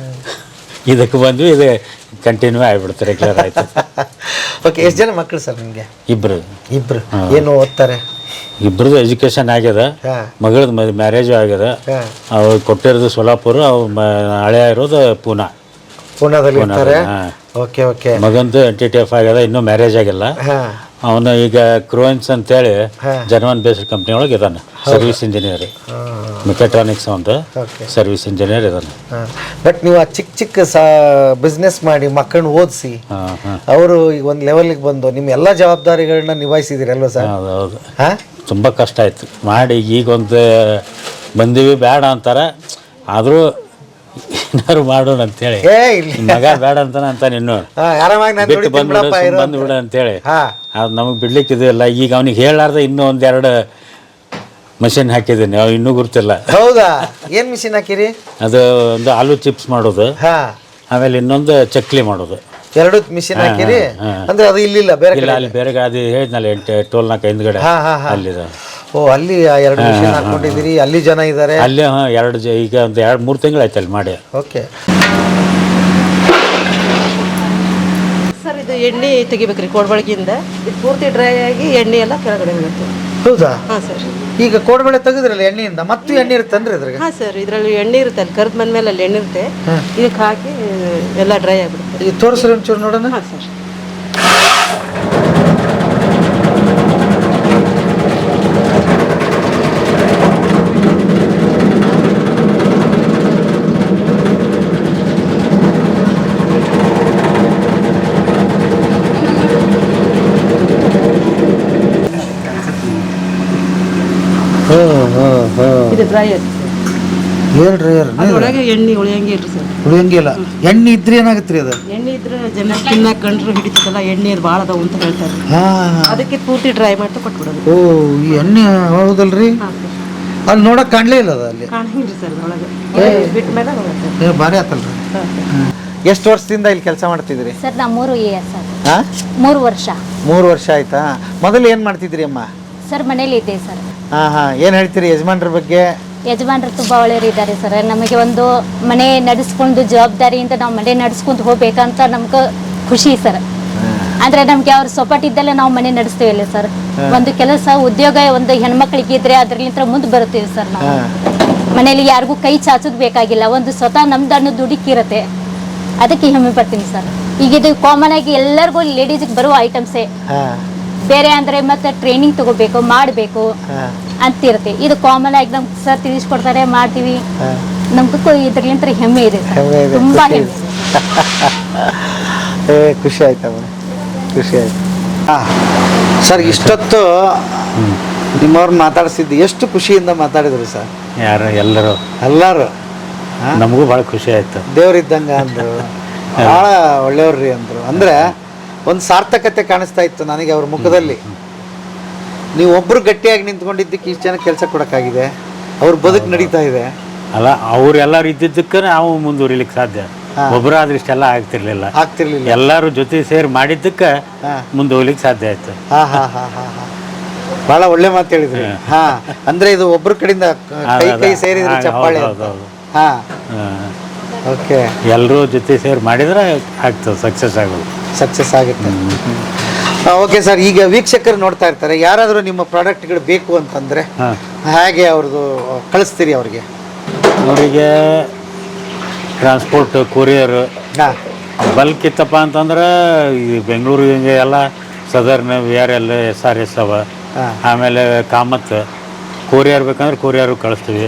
Speaker 5: ಇದಕ್ಕೆ ಬಂದ್ವಿ. ಇದು ಕಂಟಿನ್ಯೂ ಆಗಿಬಿಡುತ್ತೆ, ರೆಗ್ಯುಲರ್ ಆಯ್ತು.
Speaker 3: ಓಕೆ. ಎಷ್ಟು ಜನ ಮಕ್ಕಳು ಸರ್ ನಿಮಗೆ?
Speaker 5: ಇಬ್ರು.
Speaker 3: ಏನು ಓದ್ತಾರೆ?
Speaker 5: ಇಬ್ರದ್ದು ಎಜುಕೇಶನ್ ಆಗ್ಯದ. ಮಗಳದ್ದು ಮ್ಯಾರೇಜು ಆಗ್ಯದ. ಅವ್ರು ಕೊಟ್ಟಿರೋದು ಸೋಲಾಪುರ, ಅವ್ರು ಹಳೆಯ ಇರೋದು
Speaker 3: ಪೂನಾದಲ್ಲಿ ಇರ್ತಾರೆ. Okay okay.
Speaker 5: ಮಗಂದು NTTF ಆಗ್ಯದ, ಇನ್ನೂ ಮ್ಯಾರೇಜ್ ಆಗಿಲ್ಲ. ಅವನು ಈಗ ಕ್ರೋಯಿನ್ಸ್ ಅಂತೇಳಿ ಜರ್ಮನ್ ಬೇಸ್ಡ್ ಕಂಪ್ನಿ ಒಳಗೆ ಇದ್ದಾನೆ, ಸರ್ವಿಸ್ ಇಂಜಿನಿಯರ್, ಮೆಕ್ಯಾಟ್ರಾನಿಕ್ಸ್ ಒಂದು ಸರ್ವಿಸ್ ಇಂಜಿನಿಯರ್ ಇದ್ದಾನೆ.
Speaker 3: ಬಟ್ ನೀವು ಆ ಚಿಕ್ಕ ಬಿಸ್ನೆಸ್ ಮಾಡಿ ಮಕ್ಕಳನ್ನ ಓದಿಸಿ ಅವರು ಈಗ ಒಂದು ಲೆವೆಲ್ಗೆ ಬಂದು ನಿಮ್ಮ ಎಲ್ಲ ಜವಾಬ್ದಾರಿಗಳನ್ನ ನಿಭಾಯಿಸಿದಿರಿ ಅಲ್ವಾ ಸರ್?
Speaker 5: ಹೌದು. ತುಂಬ ಕಷ್ಟ ಆಯ್ತು ಮಾಡಿ. ಈಗ ಒಂದು ಬಂದೀವಿ, ಬೇಡ ಅಂತಾರೆ, ಆದರೂ ಏನಾದ್ರು ಮಾಡೋಣ ಅಂತೇಳಿ. ಮಗ ಬೇಡ ಅಂತಾನೆ ಇನ್ನು ಬಿಟ್ಟು ಬಂದ್ಬಿಡ ಅಂತೇಳಿ. ಅದು ನಮಗೆ ಬಿಡ್ಲಿಕ್ಕೆ ಇದೆಯಲ್ಲ. ಈಗ ಅವ್ನಿಗೆ ಹೇಳಾರ್ದೆ ಇನ್ನೂ 1-2 ಮಷಿನ್ ಹಾಕಿದ್ದೀನಿ, ಅವ್ ಇನ್ನೂ ಗುರ್ತಿಲ್ಲ.
Speaker 3: ಹೌದಾ? ಏನು ಮಿಷಿನ್ ಹಾಕಿರಿ?
Speaker 5: ಅದು ಒಂದು ಆಲೂ ಚಿಪ್ಸ್ ಮಾಡೋದು, ಆಮೇಲೆ ಇನ್ನೊಂದು ಚಕ್ಲಿ ಮಾಡೋದು.
Speaker 3: 2 ಮಿಷಿನ್ ಹಾಕಿರಿ? ಅಂದ್ರೆ ಅದು ಇಲ್ಲಿಲ್ಲ, ಬೇರೆ
Speaker 5: ಅಲ್ಲಿ ಬೇರೆ ಅದು ಹೇಳಿದ್ನಲ್ಲ, ಟೋಲ್ ನಾಲ್ಕು ಹಿಂದ್ಗಡೆ ಅಲ್ಲಿದೆ.
Speaker 3: ಓ, ಅಲ್ಲಿ 2 ಮಿಷಿನ್ ಹಾಕೊಂಡಿದ್ದೀರಿ. ಅಲ್ಲಿ ಜನ ಇದ್ದಾರೆ?
Speaker 5: ಅಲ್ಲಿ ಈಗ ಒಂದು 2-3 ತಿಂಗಳು ಆಯ್ತು ಅಲ್ಲಿ ಮಾಡಿ.
Speaker 3: ಓಕೆ
Speaker 6: ಸರ್, ಇದು ಎಣ್ಣೆ ತೆಗಿಬೇಕ್ರಿ ಕೋಡ್ಬಳಗಿಂದ. ಇದು ಪೂರ್ತಿ ಡ್ರೈ ಆಗಿ ಎಣ್ಣೆ ಎಲ್ಲ ಕೆಳಗಡೆ ಬೀಳುತ್ತೆ.
Speaker 3: ಹೌದಾ?
Speaker 6: ಹಾಂ ಸರ್.
Speaker 3: ಈಗ ಕೋಡ್ಬಳೆ ತೆಗೆದ್ರಲ್ಲ ಎಣ್ಣೆಯಿಂದ, ಮತ್ತು ಎಣ್ಣೆ ಇರುತ್ತಂದ್ರೆ ಇದ್ರಾಗ?
Speaker 6: ಹಾಂ ಸರ್, ಇದರಲ್ಲಿ ಎಣ್ಣೆ ಇರುತ್ತೆ. ಅಲ್ಲಿ ಕರ್ದು ಬಂದ್ಮೇಲೆ ಅಲ್ಲಿ ಎಣ್ಣೆ ಇರುತ್ತೆ. ಇದಕ್ಕೆ ಹಾಕಿ ಎಲ್ಲ ಡ್ರೈ ಆಗಿಬಿಡುತ್ತೆ.
Speaker 3: ಈಗ ತೋರಿಸ್ರಿ ಒಂಚೂರು ನೋಡೋಣ.
Speaker 6: ಹಾಂ ಸರ್. ಇದು ಡ್ರೈ ಆಗಿದೆ.
Speaker 3: ಹೇಳ್ರಿ
Speaker 6: ಅದ್ರೊಳಗೆ ಎಣ್ಣೆ ಉಳಿಯಂಗಿಲ್ಲ ಸರ್.
Speaker 3: ಉಳಿಯಂಗಿಲ್ಲ. ಎಣ್ಣೆ ಇದ್ರೆ ಏನಾಗುತ್ತೆ ರೀ ಅದು?
Speaker 6: ಎಣ್ಣೆ ಇದ್ರೆ ಜನ ತಿನ್ನಕ ಕಂಡ್ರು ಹಿಡಿತದಲ್ಲ, ಎಣ್ಣೆ ಅದು ಭಾಳ ಅದಾವ ಅಂತ ಹೇಳ್ತಾರೆ. ಅದಕ್ಕೆ ಪೂರ್ತಿ ಡ್ರೈ ಮಾಡಿ ಕೊಟ್ಬಿಡೋದು.
Speaker 3: ಓ, ಈ ಎಣ್ಣೆ ಹೌದಲ್ರಿ? ಅಲ್ಲಿ ನೋಡಕ್ ಕಾಣ್ಲೇ ಇಲ್ಲ ಅದು ಅಲ್ಲಿ.
Speaker 6: ಕಾಣಂಗಿಲ್ಲ ಸರ್ ಅದ್ರೊಳಗೆ. ಬಿಟ್ಟ ಮೇಲೆ ಹೋಗುತ್ತೆ.
Speaker 3: ಭಾರಿ ಆತಲ್ರಿ. ಎಷ್ಟು ವರ್ಷದಿಂದ ಇಲ್ಲಿ ಕೆಲಸ ಮಾಡ್ತಿದ್ರಿ?
Speaker 1: ಸರ್ ನಾ 3 ಇಯರ್ಸ್ ಸರ್.
Speaker 3: 3
Speaker 1: ವರ್ಷ.
Speaker 3: 3 ವರ್ಷ ಆಯ್ತಾ? ಮೊದಲು ಏನ್ ಮಾಡ್ತಿದ್ರಿ ಅಮ್ಮ?
Speaker 1: ಸರ್ ಮನೇಲಿ ಇದ್ದೆ ಸರ್.
Speaker 3: ಏನ್ ಹೇಳ್ತೀರಿ ಯಜಮಾನ್ರ ಬಗ್ಗೆ?
Speaker 1: ಯಜಮಾನ್ರು ತುಂಬ ಒಳ್ಳೆಯರಿದ್ದಾರೆ ಸರ್. ನಮಗೆ ಒಂದು ಮನೆ ನಡೆಸ್ಕೊಂಡು ಜವಾಬ್ದಾರಿಯಿಂದ ನಾವು ಮನೆ ನಡೆಸ್ಕೊಂಡು ಹೋಗ್ಬೇಕಂತ ನಮ್ಗೆ ಖುಷಿ ಸರ್. ಅಂದ್ರೆ ನಮ್ಗೆ ಅವ್ರ ಸಪೋರ್ಟ್ ಇದ್ದಲ್ಲೇ ನಾವು ಮನೆ ನಡೆಸ್ತೀವಲ್ಲ ಸರ್. ಒಂದು ಕೆಲಸ ಉದ್ಯೋಗ ಒಂದು ಹೆಣ್ಮಕ್ಳಿಗೆ ಇದ್ರೆ ಅದ್ರಲ್ಲಿಂದ ಮುಂದೆ ಬರುತ್ತೀವಿ ಸರ್. ನಾವು ಮನೇಲಿ ಯಾರಿಗೂ ಕೈ ಚಾಚೋದು ಬೇಕಾಗಿಲ್ಲ. ಒಂದು ಸ್ವತಃ ನಮ್ದು ಅನ್ನೋ ದುಡುಕಿರುತ್ತೆ. ಅದಕ್ಕೆ ಹೆಮ್ಮೆ ಪಡ್ತೀನಿ ಸರ್. ಈಗ ಇದು ಕಾಮನ್ ಆಗಿ ಎಲ್ಲರಿಗೂ ಲೇಡೀಸ್ಗೆ ಬರುವ ಐಟಮ್ಸೇ. ಬೇರೆ ಅಂದ್ರೆ ಮತ್ತೆ ಟ್ರೈನಿಂಗ್ ತಗೋಬೇಕು, ಮಾಡಬೇಕು ಅಂತಿರುತ್ತೆ. ಇದು ಕಾಮನ್ ಆಗಿ ನಮ್ಗೆ ಸರ್ ತಿಳಿಸ್ಕೊಡ್ತಾರೆ, ಮಾಡ್ತೀವಿ. ನಮ್ಗೂ ಇದ್ರಲಿಂತ ಹೆಮ್ಮೆ ಇದೆ ಸರ್. ತುಂಬಾ ಹೆಮ್ಮೆ ಇದೆ.
Speaker 3: ಖುಷಿ ಆಯ್ತಮ್ಮ, ಖುಷಿ ಆಯ್ತು. ಸರ್, ಇಷ್ಟೊತ್ತು ನಿಮ್ಮವ್ರು ಮಾತಾಡಿಸಿದ್ದು ಎಷ್ಟು ಖುಷಿಯಿಂದ ಮಾತಾಡಿದ್ರು ಸರ್.
Speaker 5: ಯಾರು ಎಲ್ಲರೂ
Speaker 3: ಎಲ್ಲರೂ
Speaker 5: ನಮಗೂ ಭಾಳ ಖುಷಿ ಆಯ್ತು.
Speaker 3: ದೇವ್ರಿದ್ದಂಗ ಅಂದ್ರು, ಭಾಳ ಒಳ್ಳೆಯವ್ರಿ ಅಂದ್ರು. ಅಂದ್ರೆ ಒಂದು ಸಾರ್ಥಕತೆ ಕಾಣಿಸ್ತಾ ಇತ್ತು ನನಗೆ ಅವ್ರ ಮುಖದಲ್ಲಿ. ನೀವು ಒಬ್ರು ಗಟ್ಟಿಯಾಗಿ ನಿಂತ್ಕೊಂಡಿದ್ದಕ್ಕೆ ಇಷ್ಟು ಜನ ಕೆಲಸ ಕೊಡೋಕ್ಕಾಗಿದೆ, ಅವ್ರ ಬದುಕು ನಡೀತಾ ಇದೆ.
Speaker 5: ಅಲ್ಲ, ಅವ್ರೆಲ್ಲರೂ ಇದ್ದಿದ್ದಕ್ಕೆ ನಾವು ಮುಂದುವರಿಲಿಕ್ಕೆ ಸಾಧ್ಯ. ಒಬ್ಬರಾದ್ರೆ ಇಷ್ಟೆಲ್ಲ ಆಗ್ತಿರ್ಲಿಲ್ಲ. ಎಲ್ಲರೂ ಜೊತೆ ಸೇರಿ ಮಾಡಿದ್ದಕ್ಕೆ ಮುಂದೆ ಹೋಗ್ಲಿಕ್ಕೆ ಸಾಧ್ಯ ಆಯ್ತು.
Speaker 3: ಬಹಳ ಒಳ್ಳೆ ಮಾತು ಹೇಳಿದ್ರಿ. ಅಂದ್ರೆ ಇದು ಒಬ್ರ ಕಡೆಯಿಂದ ಕೈ ಸೇರಿದ್ರೆ ಚಪ್ಪಾಳೆ. ಓಕೆ,
Speaker 5: ಎಲ್ಲರೂ ಜೊತೆ ಸೇರಿ ಮಾಡಿದ್ರೆ ಆಗ್ತದೆ, ಸಕ್ಸಸ್ ಆಗುತ್ತೆ.
Speaker 3: ಓಕೆ ಸರ್, ಈಗ ವೀಕ್ಷಕರು ನೋಡ್ತಾ ಇರ್ತಾರೆ, ಯಾರಾದರೂ ನಿಮ್ಮ ಪ್ರಾಡಕ್ಟ್ಗಳು ಬೇಕು ಅಂತಂದ್ರೆ ಹೇಗೆ ಅವ್ರದ್ದು ಕಳಿಸ್ತೀರಿ ಅವ್ರಿಗೆ?
Speaker 5: ಅವರಿಗೆ ಟ್ರಾನ್ಸ್ಪೋರ್ಟ್, ಕೊರಿಯರ್ ಬಲ್ಕ್ ಇತ್ತಪ್ಪ ಅಂತಂದ್ರೆ ಈ ಬೆಂಗಳೂರು ಹಿಂಗೆ ಎಲ್ಲ ಸದರ್ನ್ VRL SRS ಅವ. ಆಮೇಲೆ ಕಾಮತ್ ಕೊರಿಯರ್ ಬೇಕಂದ್ರೆ ಕೊರಿಯರ್ ಕಳಿಸ್ತೀವಿ.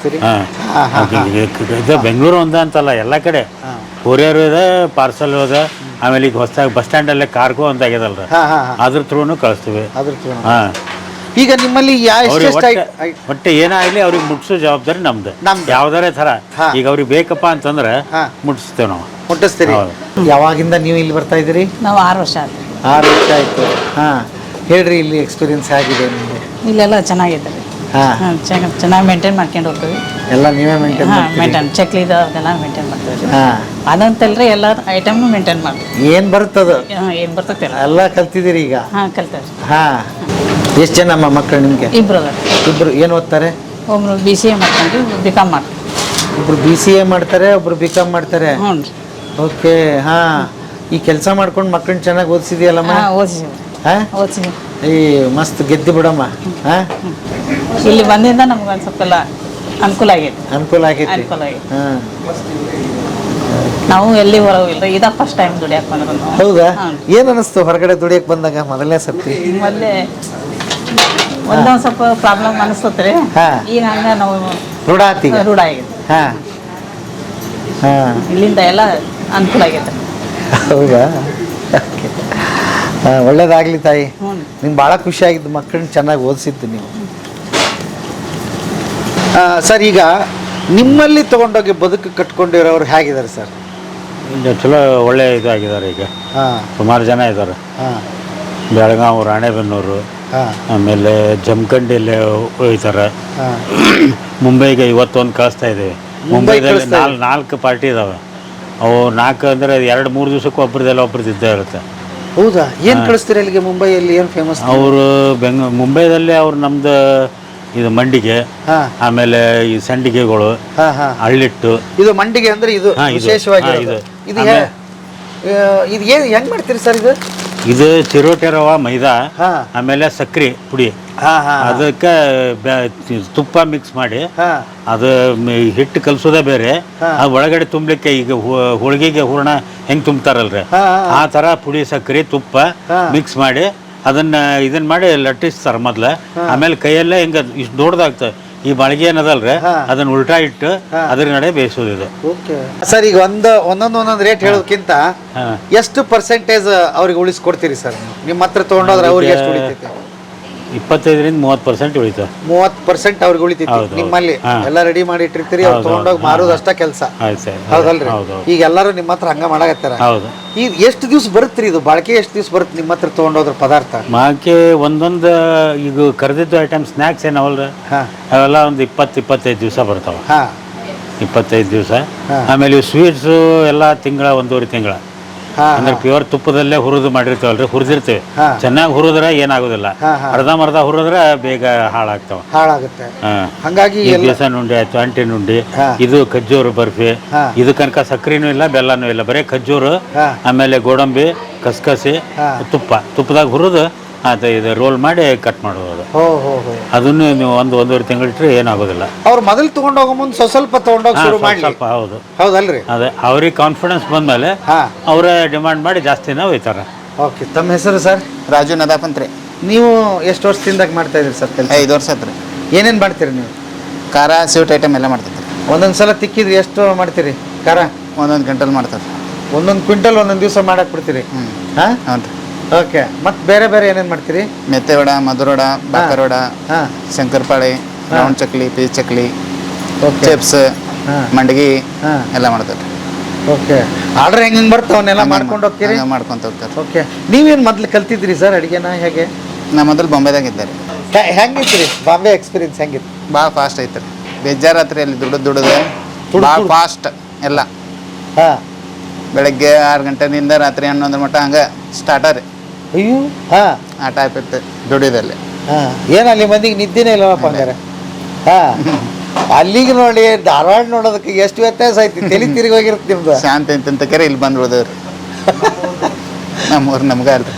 Speaker 5: ಇದು ಬೆಂಗಳೂರು ಒಂದ ಅಂತಲ್ಲ, ಎಲ್ಲ ಕಡೆ ಕೊರಿಯರ್ ಇದೆ, ಪಾರ್ಸಲ್ ಇದೆ. ಆಮೇಲೆ ಈಗ ಹೊಸದಾಗಿ ಬಸ್ ಸ್ಟ್ಯಾಂಡಲ್ಲೇ ಕಾರ್ಗೋ ಅಂತ ಆಗ್ಯದಲ್ರ, ಅದ್ರ ಥ್ರೂನು ಕಳಿಸ್ತೀವಿ.
Speaker 3: ಈಗ ನಿಮ್ಮಲ್ಲಿ
Speaker 5: ಒಟ್ಟೆ ಏನಾಗಲಿ ಅವ್ರಿಗೆ ಮುಟ್ಸೋ ಜವಾಬ್ದಾರಿ ನಮ್ದು. ಯಾವ್ದಾರೇ ಥರ ಈಗ ಅವ್ರಿಗೆ ಬೇಕಪ್ಪ ಅಂತಂದ್ರೆ ಮುಟ್ಟಿಸ್ತೇವೆ ನಾವು.
Speaker 3: ಮುಟ್ಟಿಸ್ತೀರಿ. ಯಾವಾಗಿಂದ ನೀವು ಇಲ್ಲಿ ಬರ್ತಾ ಇದ್ದೀರಿ?
Speaker 6: ನಾವು 6 ವರ್ಷ ಆಯ್ತು.
Speaker 3: 6 ವರ್ಷ ಆಯ್ತು. ಹೇಳ್ರಿ, ಇಲ್ಲಿ ಎಕ್ಸ್ಪೀರಿಯನ್ಸ್ ಹೇಗಿದೆ ನಿಮಗೆ?
Speaker 6: ಇಲ್ಲೆಲ್ಲ ಚೆನ್ನಾಗಿದೆ. ಚೆನ್ನಾಗಿ ಮೇಂಟೈನ್ ಮಾಡ್ಕೊಂಡು ಹೋಗ್ತೀವಿ.
Speaker 3: ಎಲ್ಲ ನೀವೇ ಮೇಂಟೈನ್
Speaker 6: ಚಕ್ಲಿ ಅದೆಲ್ಲ ಮೇಂಟೈನ್ ಮಾಡ್ತೀವಿ. ಅದಂತಲ್ರಿ ಎಲ್ಲ ಐಟಮ್ನು ಮೇಂಟೈನ್ ಮಾಡ್ತೀವಿ.
Speaker 3: ಏನು ಬರ್ತದ?
Speaker 6: ಏನು ಬರ್ತದೆ
Speaker 3: ಎಲ್ಲ ಕಲ್ತಿದ್ದೀರಿ ಈಗ?
Speaker 6: ಕಲ್ತೇವೆ.
Speaker 3: ಎಷ್ಟು ಜನ ಮಕ್ಕಳು ನಿಮಗೆ? ಇಬ್ರು. ಏನು ಓದ್ತಾರೆ?
Speaker 6: ಒಬ್ರು BCA ಮಾಡ್ಕೊಂಡು BCom ಮಾಡ್ತಾರೆ.
Speaker 3: ಒಬ್ರು BCA ಮಾಡ್ತಾರೆ, ಒಬ್ರು BCom ಮಾಡ್ತಾರೆ. ಓಕೆ. ಈ ಕೆಲಸ ಮಾಡ್ಕೊಂಡು ಮಕ್ಕಳನ್ನ ಚೆನ್ನಾಗಿ ಓದಿಸಿದೆಯಲ್ಲಮ್ಮ? ಓದಿಸಿವಿ. ಈ ಮಸ್ತ್ ಗೆದ್ದು ಬಿಡಮ್ಮ.
Speaker 6: ಇಲ್ಲಿ ಬಂದಿಂದ ನಮ್ಗೆ ಒಂದು ಸ್ವಲ್ಪ ಅನುಕೂಲ ಆಗೈತಿ. ನಾವು ಎಲ್ಲಿ ಹೊರಗಿಲ್ಲ, ಇದ ಫಸ್ಟ್ ಟೈಮ್ ದುಡಿಯಕ್ ಬಂದ್ರು.
Speaker 3: ಹೌದಾ? ಏನ್ ಅನಿಸ್ತು ಹೊರಗಡೆ ದುಡಿಯಕ್ ಬಂದಾಗ ಮೊದಲನೇ ಸರ್ತಿ?
Speaker 6: ಮೊದಲೇ ಒಂದೊಂದು ಸ್ವಲ್ಪ ಪ್ರಾಬ್ಲಮ್ ಅನಿಸ್ತತ್ರಿ. ಈಗ ಹಂಗ ನಾವು ರೂಢ ಆಗೈತಿ. ಇಲ್ಲಿಂದ ಎಲ್ಲ ಅನುಕೂಲ ಆಗೈತೆ.
Speaker 3: ಹೌದಾ? ಒಳ್ಳೇದಾಗ್ಲಿ ತಾಯಿ. ನಿಮ್ಗೆ ಭಾಳ ಖುಷಿ ಆಗಿದ್ದು ಮಕ್ಕಳನ್ನ ಚೆನ್ನಾಗಿ ಓದಿಸಿದ್ದು ನೀವು. ಸರ್, ಈಗ ನಿಮ್ಮಲ್ಲಿ ತಗೊಂಡೋಗಿ ಬದುಕು ಕಟ್ಕೊಂಡಿರೋರು ಹೇಗಿದ್ದಾರೆ ಸರ್?
Speaker 5: ಚಲೋ ಒಳ್ಳೆ ಇದಾಗಿದ್ದಾರೆ. ಈಗ ಸುಮಾರು ಜನ ಇದ್ದಾರೆ. ಬೆಳಗಾವಿ, ರಾಣೆಬೆನ್ನೂರು, ಆಮೇಲೆ ಜಮಖಂಡಿಯಲ್ಲಿ ಹೋಗ್ತಾರೆ. ಮುಂಬೈಗೆ ಇವತ್ತೊಂದು ಕಳಿಸ್ತಾ ಇದ್ದೀವಿ. ಮುಂಬೈದಲ್ಲಿ 4 ಪಾರ್ಟಿ ಇದಾವೆ. ಅವು 4 ಅಂದರೆ 2-3 ದಿವಸಕ್ಕೆ ಒಬ್ರದ್ದೆಲ್ಲ ಒಬ್ರದ್ದು ಇದ್ದೇ ಇರುತ್ತೆ.
Speaker 3: ಹೌದಾ? ಏನು ಕಳಿಸ್ತೀರಿ ಅಲ್ಲಿಗೆ? ಮುಂಬೈಯಲ್ಲಿ ಏನು ಫೇಮಸ್?
Speaker 5: ಅವರು ಮುಂಬೈದಲ್ಲಿ ಅವ್ರು ನಮ್ದು ಇದು ಮಂಡಿಗೆ, ಆಮೇಲೆ ಈ ಸಂಡಿಗೆಗಳು, ಹಳ್ಳಿಟ್ಟು.
Speaker 3: ಇದು ಮಂಡಿಗೆ ಅಂದ್ರೆ ಇದು ವಿಶೇಷವಾಗಿ ಇದು ಹೆಂಗ್ ಮಾಡ್ತೀರಿ ಸರ್?
Speaker 5: ಇದು ಚಿರೋಟೆ ರವ, ಮೈದಾ, ಆಮೇಲೆ ಸಕ್ರೆ ಪುಡಿ, ಅದಕ್ಕೆ ತುಪ್ಪ ಮಿಕ್ಸ್ ಮಾಡಿ ಅದು ಹಿಟ್ಟು ಕಲಸೋದೇ ಬೇರೆ. ಅದು ಒಳಗಡೆ ತುಂಬಲಿಕ್ಕೆ ಈಗ ಹೋಳಿಗೆಗೆ ಹೂರಣ ಹೆಂಗ್ ತುಂಬ್ತಾರಲ್ರಿ, ಆ ತರ ಪುಡಿ, ಸಕ್ಕರೆ, ತುಪ್ಪ ಮಿಕ್ಸ್ ಮಾಡಿ ಇದನ್ನ ಮಾಡಿ ಲಟ್ಟಿಸ್ತಾರ ಮೊದ್ಲ. ಆಮೇಲೆ ಕೈಯಲ್ಲೇ ಹಿಂಗ ಇಷ್ಟು ದೊಡ್ಡದಾಗ್ತದೆ. ಈ ಬಾಳಿಗೆ ಏನದಲ್ರಿ, ಅದನ್ನ ಉಲ್ಟಾ ಇಟ್ಟು ಅದ್ರ ನಡೆ ಬೇಯಿಸೋದು ಇದು.
Speaker 3: ಸರ್, ಈಗ ಒಂದೊಂದು ರೇಟ್ ಹೇಳೋದಕ್ಕಿಂತ ಎಷ್ಟು ಪರ್ಸೆಂಟೇಜ್ ಅವ್ರಿಗೆ ಉಳಿಸ್ಕೊಡ್ತೀರಿ ಸರ್? ನಿಮ್ಮ ಹತ್ರ ತಗೊಂಡೋದ್ರೆ ಅವ್ರಿಗೆ ಎಷ್ಟು ಉಳಿತೈತೆ?
Speaker 5: 25ರಿಂದ 30% ಉಳಿತು.
Speaker 3: 30% ಅವ್ರಿಗೆ ಉಳಿತೈತಿ
Speaker 5: ಹೌದು.
Speaker 3: ನಿಮ್ಮಲ್ಲಿ
Speaker 5: ಹಾ.
Speaker 3: ಎಲ್ಲ ರೆಡಿ ಮಾಡಿ ಇಟ್ಟಿರ್ತೀರಿ ಅವ್ರು
Speaker 5: ಹೌದು,
Speaker 3: ತೊಗೊಂಡೋಗಿ
Speaker 5: ಹೌದು.
Speaker 3: ಮಾರೋದು ಅಷ್ಟ ಕೆಲಸ.
Speaker 5: ಆಯ್ತು ಸರ್.
Speaker 3: ಹೌದಲ್ರಿ?
Speaker 5: ಹೌದು.
Speaker 3: ಈಗ ಎಲ್ಲರೂ ನಿಮ್ಮ ಹತ್ರ ಹಂಗ ಮಾಡಕತ್ತಾರ.
Speaker 5: ಹೌದು.
Speaker 3: ಈಗ ಎಷ್ಟು ದಿವ್ಸ ಬರುತ್ತೆ ಇದು ಬಾಳಿಕೆ? ಎಷ್ಟು ದಿವ್ಸ ಬರುತ್ತೆ ನಿಮ್ಮ ಹತ್ರ ತೊಗೊಂಡೋದ್ರ ಪದಾರ್ಥ?
Speaker 5: ಮಾಕೆ ಒಂದೊಂದು ಈಗ ಕರೆದಿದ್ದು ಐಟಮ್ ಸ್ನ್ಯಾಕ್ಸ್ ಏನವಲ್ಲ
Speaker 3: ಹಾ
Speaker 5: ಅವೆಲ್ಲ ಒಂದು 20-25 ದಿವಸ ಬರ್ತಾವೆ.
Speaker 3: ಹಾ
Speaker 5: 25 ದಿವಸ.
Speaker 3: ಹಾ.
Speaker 5: ಆಮೇಲೆ ಇವು ಸ್ವೀಟ್ಸು ಎಲ್ಲ ಒಂದೂವರೆ ತಿಂಗಳ
Speaker 3: ಹಾ
Speaker 5: ಅಂದ್ರೆ ಪ್ಯೂರ್ ತುಪ್ಪದಲ್ಲೇ ಹುರಿದು ಮಾಡಿರ್ತೀವಲ್ರಿ, ಹುರಿದಿರ್ತೀವಿ.
Speaker 3: ಹಾ.
Speaker 5: ಚೆನ್ನಾಗಿ ಹುರಿದ್ರೆ ಏನಾಗೋದಿಲ್ಲ,
Speaker 3: ಹಾ, ಹಾ.
Speaker 5: ಅರ್ಧಂಬರ್ಧ ಹುರಿದ್ರೆ ಬೇಗ ಹಾಳಾಗ್ತಾವ.
Speaker 3: ಹಾಳಾಗುತ್ತೆ.
Speaker 5: ಹಾ.
Speaker 3: ಹಂಗಾಗಿ
Speaker 5: ಈ
Speaker 3: ಎಲ್ಲ
Speaker 5: ಬೇಸನ್ ಉಂಡೆ ಆಯ್ತು, ಅಂಟಿನ ಉಂಡೆ,
Speaker 3: ಹಾ.
Speaker 5: ಇದು ಖಜ್ಜೂರು ಬರ್ಫಿ.
Speaker 3: ಹಾ.
Speaker 5: ಇದು ಕನಕ ಸಕ್ಕರೆನೂ ಇಲ್ಲ ಬೆಲ್ಲನೂ ಇಲ್ಲ, ಬರೀ ಖಜ್ಜೂರು,
Speaker 3: ಹಾ.
Speaker 5: ಆಮೇಲೆ ಗೋಡಂಬಿ, ಕಸ್ಕಸಿ,
Speaker 3: ಹಾ.
Speaker 5: ತುಪ್ಪದಾಗ ಹುರಿದು ಅದು ಇದು ರೋಲ್ ಮಾಡಿ ಕಟ್ ಮಾಡೋದು.
Speaker 3: ಹೋ ಹೋ ಹೋ.
Speaker 5: ಅದನ್ನು ನೀವು ಒಂದೂವರೆ ತಿಂಗಳು ಇಟ್ಟರೆ ಏನಾಗೋದಿಲ್ಲ.
Speaker 3: ಅವ್ರು ಮೊದಲು ತಗೊಂಡೋಗೋ ಮುಂದೆ ಸ್ವಲ್ಪ ತಗೊಂಡೋಗಿ
Speaker 5: ಹಾ,
Speaker 3: ಶುರು
Speaker 5: ಸ್ವಲ್ಪ
Speaker 3: ಮಾಡಿ.
Speaker 5: ಸ್ವಲ್ಪ ಹೌದು.
Speaker 3: ಹೌದಲ್ರಿ?
Speaker 5: ಅದೇ ಅವ್ರಿಗೆ ಕಾನ್ಫಿಡೆನ್ಸ್ ಬಂದಮೇಲೆ
Speaker 3: ಹಾ
Speaker 5: ಅವರೇ ಡಿಮಾಂಡ್ ಮಾಡಿ ಜಾಸ್ತಿನ ಒಯ್ತಾರೆ.
Speaker 3: ಓಕೆ. ತಮ್ಮ ಹೆಸರು ಸರ್?
Speaker 7: ರಾಜು ನದಾಪಂತ್ರಿ.
Speaker 3: ನೀವು ಎಷ್ಟು ವರ್ಷದಿಂದ ಮಾಡ್ತಾ ಇದ್ದೀರಿ ಸರ್ ಕೆಲಸ?
Speaker 7: 5 ವರ್ಷ ಆತ್ರಿ.
Speaker 3: ಏನೇನು ಮಾಡ್ತೀರಿ ನೀವು?
Speaker 7: ಖಾರ ಸ್ವೀಟ್ ಐಟಮ್ ಎಲ್ಲ ಮಾಡ್ತೈತ್ರಿ.
Speaker 3: ಒಂದೊಂದು ಸಲ ತಿಕ್ಕಿದ್ರಿ ಎಷ್ಟು ಮಾಡ್ತೀರಿ ಖಾರ?
Speaker 7: ಒಂದೊಂದು ಗಂಟಲ್ ಮಾಡ್ತಾರೆ.
Speaker 3: ಒಂದೊಂದು ಕ್ವಿಂಟಲ್ ಒಂದೊಂದು ದಿವಸ ಮಾಡಕ್ಕೆ ಬಿಡ್ತೀರಿ? ಹಾಂ.
Speaker 7: ಹ್ಞೂ ರೀ.
Speaker 3: ಓಕೆ. ಮತ್ತು ಬೇರೆ ಬೇರೆ ಏನೇನು ಮಾಡ್ತೀರಿ?
Speaker 7: ಮೆತ್ತೆ ವಡ, ಮಧುರ ವಡ, ಬಾಕರ್ ವಡ,
Speaker 3: ಹಾಂ.
Speaker 7: Shankarpali, round chakli, piece chakli,
Speaker 3: okay.
Speaker 7: Chips,
Speaker 3: ಹಾಂ.
Speaker 7: ಮಂಡಗಿ
Speaker 3: ಹಾಂ.
Speaker 7: ಎಲ್ಲ ಮಾಡ್ತಾರೆ.
Speaker 3: ಓಕೆ. ಆರ್ಡ್ರ್ ಹೆಂಗೆ ಬರ್ತಾವೆ ಅವನ್ನೆಲ್ಲ ಮಾಡ್ಕೊಂಡು ಹೋಗ್ತೀರಿ?
Speaker 7: ಮಾಡ್ಕೊಂತ ಹೋಗ್ತಾರೆ.
Speaker 3: ಓಕೆ. ನೀವೇನು ಮೊದಲು ಕಲ್ತಿದ್ರಿ ಸರ್ ಅಡುಗೆನ ಹೇಗೆ?
Speaker 7: ನಾ ಮೊದಲು ಬಾಂಬೆದಾಗ ಇದ್ದಾರೆ.
Speaker 3: ಹೆಂಗಿತ್ತು ರೀ ಬಾಂಬೆ ಎಕ್ಸ್ಪೀರಿಯನ್ಸ್? ಹೆಂಗಿತ್ತು?
Speaker 7: ಭಾಳ ಫಾಸ್ಟ್ ಐತ್ರಿ. ಬೇಜಾರಾತ್ರಿ ಅಲ್ಲಿ ದುಡಿದು ಭಾಳ ಫಾಸ್ಟ್ ಎಲ್ಲ.
Speaker 3: ಹಾಂ.
Speaker 7: ಬೆಳಗ್ಗೆ 6 ಗಂಟೆಯಿಂದ ರಾತ್ರಿ 11 ಮಟ್ಟ ಹಂಗೆ ಸ್ಟಾರ್ಟರ್.
Speaker 3: ಅಯ್ಯೋ. ಹಾಂ
Speaker 7: ಆ ಟೈಪ್ ಇತ್ತು ದುಡಿಯೋದಲ್ಲಿ.
Speaker 3: ಹಾಂ. ಏನು ಅಲ್ಲಿ ಮಂದಿಗೆ ನಿದ್ದೆನೇ ಇಲ್ಲವಪ್ಪ ಹಂಗಾರೆ? ಹಾಂ. ಅಲ್ಲಿಗೆ ನೋಡಿ ಧಾರವಾಡ ನೋಡೋದಕ್ಕೆ ಎಷ್ಟು ವ್ಯತ್ಯಾಸ ಐತಿ. ತಲೆ ತಿರುಗಿ ಹೋಗಿರುತ್ತೆ ನಿಮ್ದು.
Speaker 7: ಶಾಂತಿ ಅಂತ ಕರೆ ಇಲ್ಲಿ ಬಂದು ಉಳಿದವ್ರಿ. ನಮ್ಮೂರು ನಮ್ಗೆ ಅಲ್ರಿ.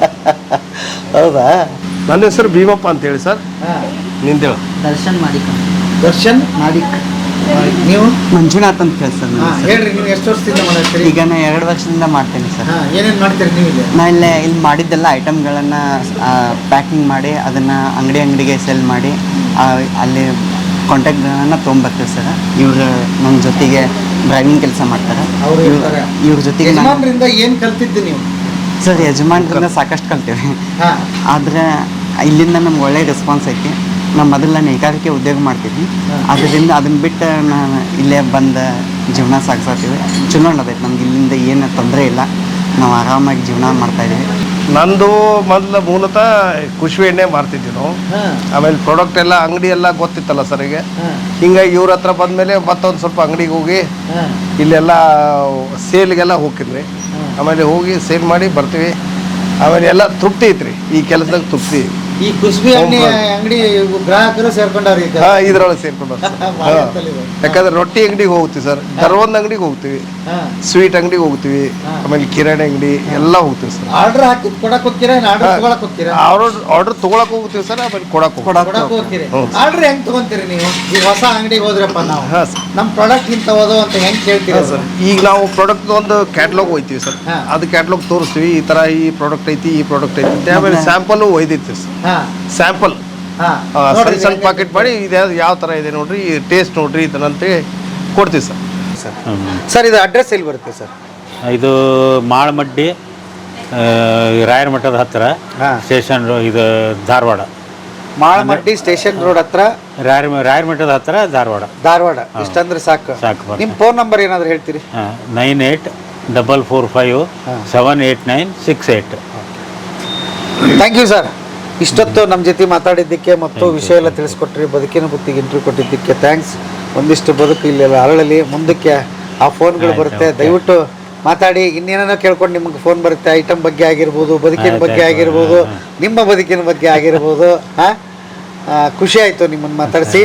Speaker 3: ಹೌದಾ?
Speaker 8: ನನ್ನ ಹೆಸರು ಭೀಮಪ್ಪ ಅಂತೇಳಿ ಸರ್.
Speaker 3: ಹಾಂ.
Speaker 8: ನಿಂದೇಳ
Speaker 9: ದರ್ಶನ್ ಮಾಡಿಕ.
Speaker 3: ದರ್ಶನ್
Speaker 9: ಮಾಡಿಕ್.
Speaker 3: ನೀವು?
Speaker 9: ಮಂಜುನಾಥ್ ಅಂತ ಹೇಳಿ ಸರ್.
Speaker 3: ಹಾಂ. ಹೇಳ್ರಿ, ನೀವು ಎಷ್ಟು ವರ್ಷದಿಂದ ಮಾಡ್ತೀರಿ?
Speaker 9: ಈಗ ನಾ 2 ವರ್ಷದಿಂದ ಮಾಡ್ತೇನೆ ಸರ್.
Speaker 3: ಹಾಂ. ಏನೇನು ಮಾಡ್ತೀರಿ ನೀವು ಇಲ್ಲಿ?
Speaker 9: ನಾ ಇಲ್ಲಿ ಮಾಡಿದ್ದೆಲ್ಲ ಐಟಮ್ಗಳನ್ನು ಪ್ಯಾಕಿಂಗ್ ಮಾಡಿ ಅದನ್ನು ಅಂಗಡಿಗೆ ಸೇಲ್ ಮಾಡಿ ಅಲ್ಲಿ ಕಾಂಟ್ಯಾಕ್ಟ್ಗಳನ್ನು ತೊಗೊಂಬರ್ತೀವಿ ಸರ್. ಇವರು ನನ್ನ ಜೊತೆಗೆ ಡ್ರೈವಿಂಗ್ ಕೆಲಸ ಮಾಡ್ತಾರೆ.
Speaker 3: ಅವ್ರು ಇರ್ತಾರೆ.
Speaker 9: ಇವ್ರ ಜೊತೆಗೆ ನಾನು
Speaker 3: ಯಜಮಾನ್ರಿಂದ ಏನು ಕಲ್ತಿದ್ದು ನೀವು?
Speaker 9: ಸರ್ ಯಜಮಾನ್ರಿಂದ ಸಾಕಷ್ಟು ಕಲ್ತೇವೆ.
Speaker 3: ಹಾಂ.
Speaker 9: ಆದರೆ ಇಲ್ಲಿಂದ ನಮ್ಗೆ ಒಳ್ಳೆ ರೆಸ್ಪಾನ್ಸ್ ಐತಿ. ನಾನು ಮೊದಲು ನೇಕಾರಿಕೆ ಉದ್ಯೋಗ ಮಾಡ್ತಿದ್ವಿ, ಅದರಿಂದ ಅದನ್ನು ಬಿಟ್ಟು ನಾನು ಇಲ್ಲೇ ಬಂದು ಜೀವನ ಸಾಗಿಸ್ತೀವಿ. ಚಲೋ ಅನ್ನೋದೈತೆ ನಮ್ಗೆ, ಇಲ್ಲಿಂದ ಏನು ತೊಂದರೆ ಇಲ್ಲ, ನಾವು ಆರಾಮಾಗಿ ಜೀವನ ಮಾಡ್ತಾಯಿದ್ದೀವಿ.
Speaker 8: ನಂದು ಮೊದಲು ಮೂಲತಃ ಕುಶ್ವಿ ಎಣ್ಣೆ ಮಾರ್ತಿದ್ವಿ ನಾವು.
Speaker 3: ಹಾಂ.
Speaker 8: ಆಮೇಲೆ ಪ್ರಾಡಕ್ಟ್ ಎಲ್ಲ ಅಂಗಡಿ ಎಲ್ಲ ಗೊತ್ತಿತ್ತಲ್ಲ ಸರ್ ಈಗ.
Speaker 3: ಹಾಂ.
Speaker 8: ಹಿಂಗಾಗಿ ಇವ್ರ ಹತ್ರ ಬಂದಮೇಲೆ ಮತ್ತೊಂದು ಸ್ವಲ್ಪ ಅಂಗಡಿಗೆ ಹೋಗಿ
Speaker 3: ಹಾಂ.
Speaker 8: ಇಲ್ಲೆಲ್ಲ ಸೇಲ್ಗೆಲ್ಲ ಹೋಗಿದ್ರಿ. ಆಮೇಲೆ ಹೋಗಿ ಸೇಲ್ ಮಾಡಿ ಬರ್ತೀವಿ. ಆಮೇಲೆ ಎಲ್ಲ ತೃಪ್ತಿ ಐತ್ರಿ, ಈ ಕೆಲಸದಾಗ ತೃಪ್ತಿ.
Speaker 3: ಈ ಕುಸ್ಬಿ ಎಣ್ಣೆ ಅಂಗಡಿ ಗ್ರಾಹಕರು ಸೇರ್ಕೊಂಡವ್ರಿ ಈಗ?
Speaker 8: ಹಾಂ, ಇದ್ರೊಳಗೆ ಸೇರ್ಕೊಂಡು
Speaker 3: ಭಾಳ ಅಂತಲ್ಲ ಇದು.
Speaker 8: ಯಾಕಂದ್ರೆ ರೊಟ್ಟಿ ಅಂಗಡಿಗೆ ಹೋಗ್ತೀವಿ ಸರ್, ದರ್ವೊಂದು ಅಂಗಡಿಗೆ ಹೋಗ್ತೀವಿ,
Speaker 3: ಹಾಂ.
Speaker 8: ಸ್ವೀಟ್ ಅಂಗಡಿಗೆ ಹೋಗ್ತೀವಿ, ಆಮೇಲೆ ಕಿರಾಣಿ ಅಂಗಡಿ ಎಲ್ಲ ಹೋಗ್ತೀವಿ ಸರ್.
Speaker 3: ಆರ್ಡರ್ ಹಾಕಿ ಕೊಡಕ್ ಹೋಗ್ತೀರಾ? ಆರ್ಡರ್ ತಗೊಳಕ್ ಹೋಗ್ತೀರಾ?
Speaker 8: ಆರ್ಡರ್ ತೊಗೊಳಕ್ ಹೋಗ್ತೀವಿ ಸರ್, ಆಮೇಲೆ ಕೊಡಕ್
Speaker 3: ಹೋಗ್ತೀರಿ. ಆರ್ಡರ್ ಹೆಂಗ್ ತಗೊಂತೀರಿ ನೀವು? ಈಗ ಹೊಸ ಅಂಗಡಿಗೆ ಹೋದ್ರಪ್ಪ ನಾವು,
Speaker 8: ಹಾಂ ಸರ್.
Speaker 3: ನಮ್ಮ ಪ್ರಾಡಕ್ಟ್ ಇಂತ ಹೋದೋ ಅಂತ ಹೆಂಗ್ ಕೇಳ್ತೀರಾ ಸರ್?
Speaker 8: ಈಗ ನಾವು ಪ್ರಾಡಕ್ಟ್ ಒಂದು ಕ್ಯಾಟ್ಲಾಗ್ ಹೋಯ್ತೀವಿ ಸರ್.
Speaker 3: ಹಾ.
Speaker 8: ಅದು ಕ್ಯಾಟ್ಲಾಗ್ ತೋರಿಸ್ತೀವಿ, ಈ ತರ ಈ ಪ್ರಾಡಕ್ಟ್ ಐತಿ, ಈ ಪ್ರಾಡಕ್ಟ್ ಐತಿ ಅಂತ. ಆಮೇಲೆ ಸ್ಯಾಂಪಲ್ ಒಯ್ದಿರ್ತೀವಿ ಸರ್.
Speaker 3: ಹಾ.
Speaker 8: ಸ್ಯಾಂಪಲ್
Speaker 3: ಹಾ.
Speaker 8: ಸಣ್ಣ ಸಣ್ಣ ಪಾಕೆಟ್ ಮಾಡಿ ಇದು ಯಾವ ತರ ಇದೆ ನೋಡ್ರಿ, ಟೇಸ್ಟ್ ನೋಡ್ರಿ ಇದನ್ನಂತೇಳಿ ಕೊಡ್ತೀವಿ ಸರ್.
Speaker 3: ಸರ್ ಇದು ಅಡ್ರೆಸ್ ಎಲ್ಲಿ ಬರುತ್ತೆ ಸರ್?
Speaker 5: ಇದು ಮಾಳಮಡ್ಡಿ, ರಾಯರ ಮಠದ ಹತ್ತಿರ,
Speaker 3: ಹಾ.
Speaker 5: ಸ್ಟೇಷನ್ ಇದು ಧಾರವಾಡ.
Speaker 3: ಮಾಳಮಡ್ಡಿ ಸ್ಟೇಷನ್ ರೋಡ್ ಹತ್ರ,
Speaker 5: ರಾಯರ ಮಠದ ಹತ್ತಿರ ಧಾರವಾಡ.
Speaker 3: ಧಾರವಾಡ. ಇಷ್ಟಂದ್ರೆ ಸಾಕು.
Speaker 5: ಸಾಕು.
Speaker 3: ನಿಮ್ಮ ಫೋನ್ ನಂಬರ್ ಏನಾದ್ರು ಹೇಳ್ತೀರಿ?
Speaker 5: 9844578968.
Speaker 3: Thank you sir. ಇಷ್ಟೊತ್ತು ನಮ್ಮ ಜೊತೆ ಮಾತಾಡಿದ್ದಕ್ಕೆ ಮತ್ತು ವಿಷಯ ಎಲ್ಲ ತಿಳಿಸ್ಕೊಟ್ರಿ, ಬದುಕಿನ ಬುತ್ತಿಗೆ ಇಂಟರ್ವ್ಯೂ ಕೊಟ್ಟಿದ್ದಕ್ಕೆ ಥ್ಯಾಂಕ್ಸ್. ಒಂದಿಷ್ಟು ಬದುಕು ಇಲ್ಲೆಲ್ಲ ಅರಳಲಿ, ಮುಂದಕ್ಕೆ ಆ ಫೋನ್ಗಳು ಬರುತ್ತೆ, ದಯವಿಟ್ಟು ಮಾತಾಡಿ. ಇನ್ನೇನೋ ಕೇಳ್ಕೊಂಡು ನಿಮಗೆ ಫೋನ್ ಬರುತ್ತೆ, ಐಟಮ್ ಬಗ್ಗೆ ಆಗಿರ್ಬೋದು, ಬದುಕಿನ ಬಗ್ಗೆ ಆಗಿರ್ಬೋದು, ನಿಮ್ಮ ಬದುಕಿನ ಬಗ್ಗೆ ಆಗಿರ್ಬೋದು. ಹಾಂ, ಖುಷಿ ಆಯಿತು ನಿಮ್ಮನ್ನು ಮಾತಾಡಿಸಿ.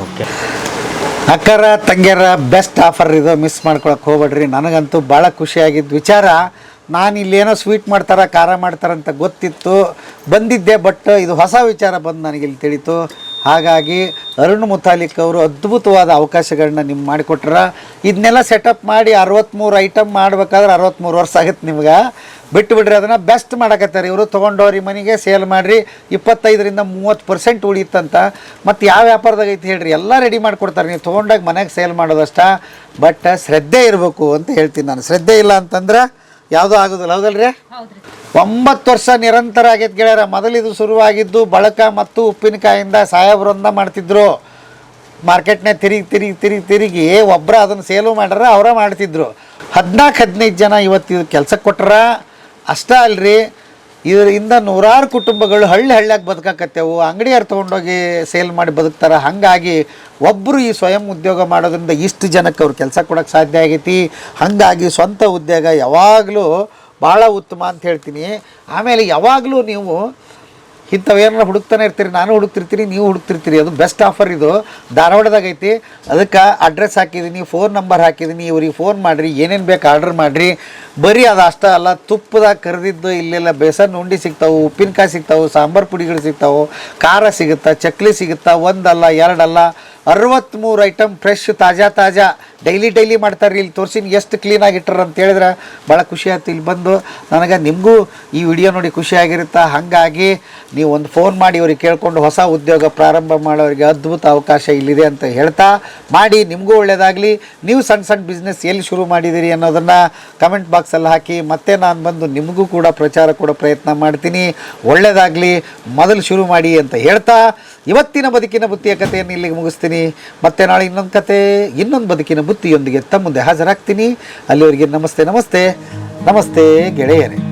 Speaker 3: ಅಕ್ಕರ ತಂಗಿಯರ ಬೆಸ್ಟ್ ಆಫರ್ ಇದು, ಮಿಸ್ ಮಾಡ್ಕೊಳಕ್ಕೆ ಹೋಗ್ಬೇಡ್ರಿ. ನನಗಂತೂ ಭಾಳ ಖುಷಿಯಾಗಿದ್ದ ವಿಚಾರ. ನಾನು ಇಲ್ಲೇನೋ ಸ್ವೀಟ್ ಮಾಡ್ತಾರೆ, ಖಾರ ಮಾಡ್ತಾರಂತ ಗೊತ್ತಿತ್ತು, ಬಂದಿದ್ದೆ. ಬಟ್ ಇದು ಹೊಸ ವಿಚಾರ ಬಂದು ನನಗಿಲ್ಲಿ ತಿಳಿತು. ಹಾಗಾಗಿ ಅರುಣ್ ಮುತಾಲಿಕ್ ಅವರು ಅದ್ಭುತವಾದ ಅವಕಾಶಗಳನ್ನ ನಿಮ್ಗೆ ಮಾಡಿಕೊಟ್ರ. ಇದನ್ನೆಲ್ಲ ಸೆಟಪ್ ಮಾಡಿ 63 ಐಟಮ್ ಮಾಡ್ಬೇಕಾದ್ರೆ 63 ವರ್ಷ ಆಗುತ್ತೆ ನಿಮ್ಗೆ. ಬಿಟ್ಟು ಬಿಡ್ರಿ, ಅದನ್ನು ಬೆಸ್ಟ್ ಮಾಡಕತ್ತಾರೆ ಇವರು. ತೊಗೊಂಡವ್ರಿ ಮನೆಗೆ ಸೇಲ್ ಮಾಡಿರಿ, 25ರಿಂದ 30% ಉಳಿಯುತ್ತಂತ. ಮತ್ತು ಯಾವ ವ್ಯಾಪಾರದಾಗ ಐತಿ ಹೇಳ್ರಿ, ಎಲ್ಲ ರೆಡಿ ಮಾಡಿಕೊಡ್ತಾರೆ. ನೀವು ತೊಗೊಂಡಾಗ ಮನೆಗೆ ಸೇಲ್ ಮಾಡೋದಷ್ಟ. ಬಟ್ ಶ್ರದ್ಧೆ ಇರಬೇಕು ಅಂತ ಹೇಳ್ತೀನಿ ನಾನು. ಶ್ರದ್ಧೆ ಇಲ್ಲ ಅಂತಂದ್ರೆ ಯಾವುದೂ ಆಗೋದಿಲ್ಲ. ಹೌದಲ್ರಿ? 9 ವರ್ಷ ನಿರಂತರ ಆಗೈತೆ ಗೆಳೆಯರ. ಮೊದಲಿದು ಶುರುವಾಗಿದ್ದು ಬಳಕ ಮತ್ತು ಉಪ್ಪಿನಕಾಯಿಂದ ಸಾಹೇಬ್ರೊಂದ ಮಾಡ್ತಿದ್ರು. ಮಾರ್ಕೆಟ್ನಾಗ ತಿರುಗಿ ಒಬ್ಬರ ಅದನ್ನು ಸೇಲು ಮಾಡ್ಯಾರ, ಅವರ ಮಾಡ್ತಿದ್ರು. 14-15 ಜನ ಇವತ್ತು ಇದು ಕೆಲಸಕ್ಕೆ ಕೊಟ್ಟಾರ. ಅಷ್ಟೇ ಅಲ್ರಿ, ಇದರಿಂದ ನೂರಾರು ಕುಟುಂಬಗಳು ಹಳ್ಳಿಯಾಗ ಬದುಕಾಕತ್ತೇವು. ಅಂಗಡಿಯವ್ರು ತೊಗೊಂಡೋಗಿ ಸೇಲ್ ಮಾಡಿ ಬದುಕ್ತಾರೆ. ಹಾಗಾಗಿ ಒಬ್ಬರು ಈ ಸ್ವಯಂ ಉದ್ಯೋಗ ಮಾಡೋದ್ರಿಂದ ಇಷ್ಟು ಜನಕ್ಕೆ ಅವ್ರು ಕೆಲಸ ಕೊಡೋಕ್ಕೆ ಸಾಧ್ಯ ಆಗೈತಿ. ಹಾಗಾಗಿ ಸ್ವಂತ ಉದ್ಯೋಗ ಯಾವಾಗಲೂ ಭಾಳ ಉತ್ತಮ ಅಂತ ಹೇಳ್ತೀನಿ. ಆಮೇಲೆ ಯಾವಾಗಲೂ ನೀವು ಇಂಥವೇನಾರ ಹುಡುಕ್ತಾನೆ ಇರ್ತೀರಿ, ನಾನು ಹುಡುಕ್ತಿರ್ತೀನಿ, ನೀವು ಹುಡುಕ್ತಿರ್ತೀರಿ. ಅದು ಬೆಸ್ಟ್ ಆಫರ್ ಇದು, ಧಾರವಾಡದಾಗ ಐತಿ. ಅದಕ್ಕೆ ಅಡ್ರೆಸ್ ಹಾಕಿದ್ದೀನಿ, ಫೋನ್ ನಂಬರ್ ಹಾಕಿದ್ದೀನಿ. ಇವ್ರಿಗೆ ಫೋನ್ ಮಾಡಿರಿ, ಏನೇನು ಬೇಕು ಆರ್ಡ್ರ್ ಮಾಡಿರಿ. ಬರೀ ಅದು ಅಷ್ಟೇ ಅಲ್ಲ, ತುಪ್ಪದಾಗ ಕರೆದಿದ್ದು ಇಲ್ಲೆಲ್ಲ ಬೇಸನ್ ಉಂಡೆ ಸಿಗ್ತಾವೆ, ಉಪ್ಪಿನಕಾಯಿ ಸಿಗ್ತಾವೆ, ಸಾಂಬಾರು ಪುಡಿಗಳು ಸಿಗ್ತಾವೆ, ಖಾರ ಸಿಗುತ್ತಾ, ಚಕ್ಲಿ ಸಿಗುತ್ತಾ. ಒಂದಲ್ಲ ಎರಡಲ್ಲ 63 ಐಟಮ್ ಫ್ರೆಶ್ ತಾಜಾ ಡೈಲಿ ಮಾಡ್ತಾರೆ. ಇಲ್ಲಿ ತೋರಿಸಿನ ಎಷ್ಟು ಕ್ಲೀನಾಗಿ ಇಟ್ಟಾರ ಅಂತ ಹೇಳಿದ್ರೆ ಭಾಳ ಖುಷಿ ಆಯ್ತು. ಇಲ್ಲಿ ಬಂದು ನನಗೆ ನಿಮಗೂ ಈ ವಿಡಿಯೋ ನೋಡಿ ಖುಷಿಯಾಗಿರುತ್ತೆ. ಹಾಗಾಗಿ ನೀವು ಒಂದು ಫೋನ್ ಮಾಡಿ ಅವ್ರಿಗೆ ಕೇಳ್ಕೊಂಡು ಹೊಸ ಉದ್ಯೋಗ ಪ್ರಾರಂಭ ಮಾಡೋರಿಗೆ ಅದ್ಭುತ ಅವಕಾಶ ಇಲ್ಲಿದೆ ಅಂತ ಹೇಳ್ತಾ, ಮಾಡಿ ನಿಮಗೂ ಒಳ್ಳೆಯದಾಗಲಿ. ನೀವು ಸಣ್ಣ ಬಿಸ್ನೆಸ್ ಎಲ್ಲಿ ಶುರು ಮಾಡಿದ್ದೀರಿ ಅನ್ನೋದನ್ನು ಕಮೆಂಟ್ ಬಾಕ್ಸಲ್ಲಿ ಹಾಕಿ. ಮತ್ತೆ ನಾನು ಬಂದು ನಿಮಗೂ ಕೂಡ ಪ್ರಚಾರ ಕೊಡೋ ಪ್ರಯತ್ನ ಮಾಡ್ತೀನಿ. ಒಳ್ಳೆಯದಾಗಲಿ, ಮೊದಲು ಶುರು ಮಾಡಿ ಅಂತ ಹೇಳ್ತಾ ಇವತ್ತಿನ ಬದುಕಿನ ಬುತ್ತಿಯ ಕಥೆಯನ್ನು ಇಲ್ಲಿಗೆ ಮುಗಿಸ್ತೀನಿ. ಮತ್ತೆ ನಾಳೆ ಇನ್ನೊಂದು ಕತೆ, ಇನ್ನೊಂದು ಬದುಕಿನ ಬುತ್ತಿಯೊಂದಿಗೆ ತಮ್ಮ ಮುಂದೆ ಹಾಜರಾಗ್ತೀನಿ. ಅಲ್ಲಿವರೆಗೆ ನಮಸ್ತೆ ಗೆಳೆಯರೇ.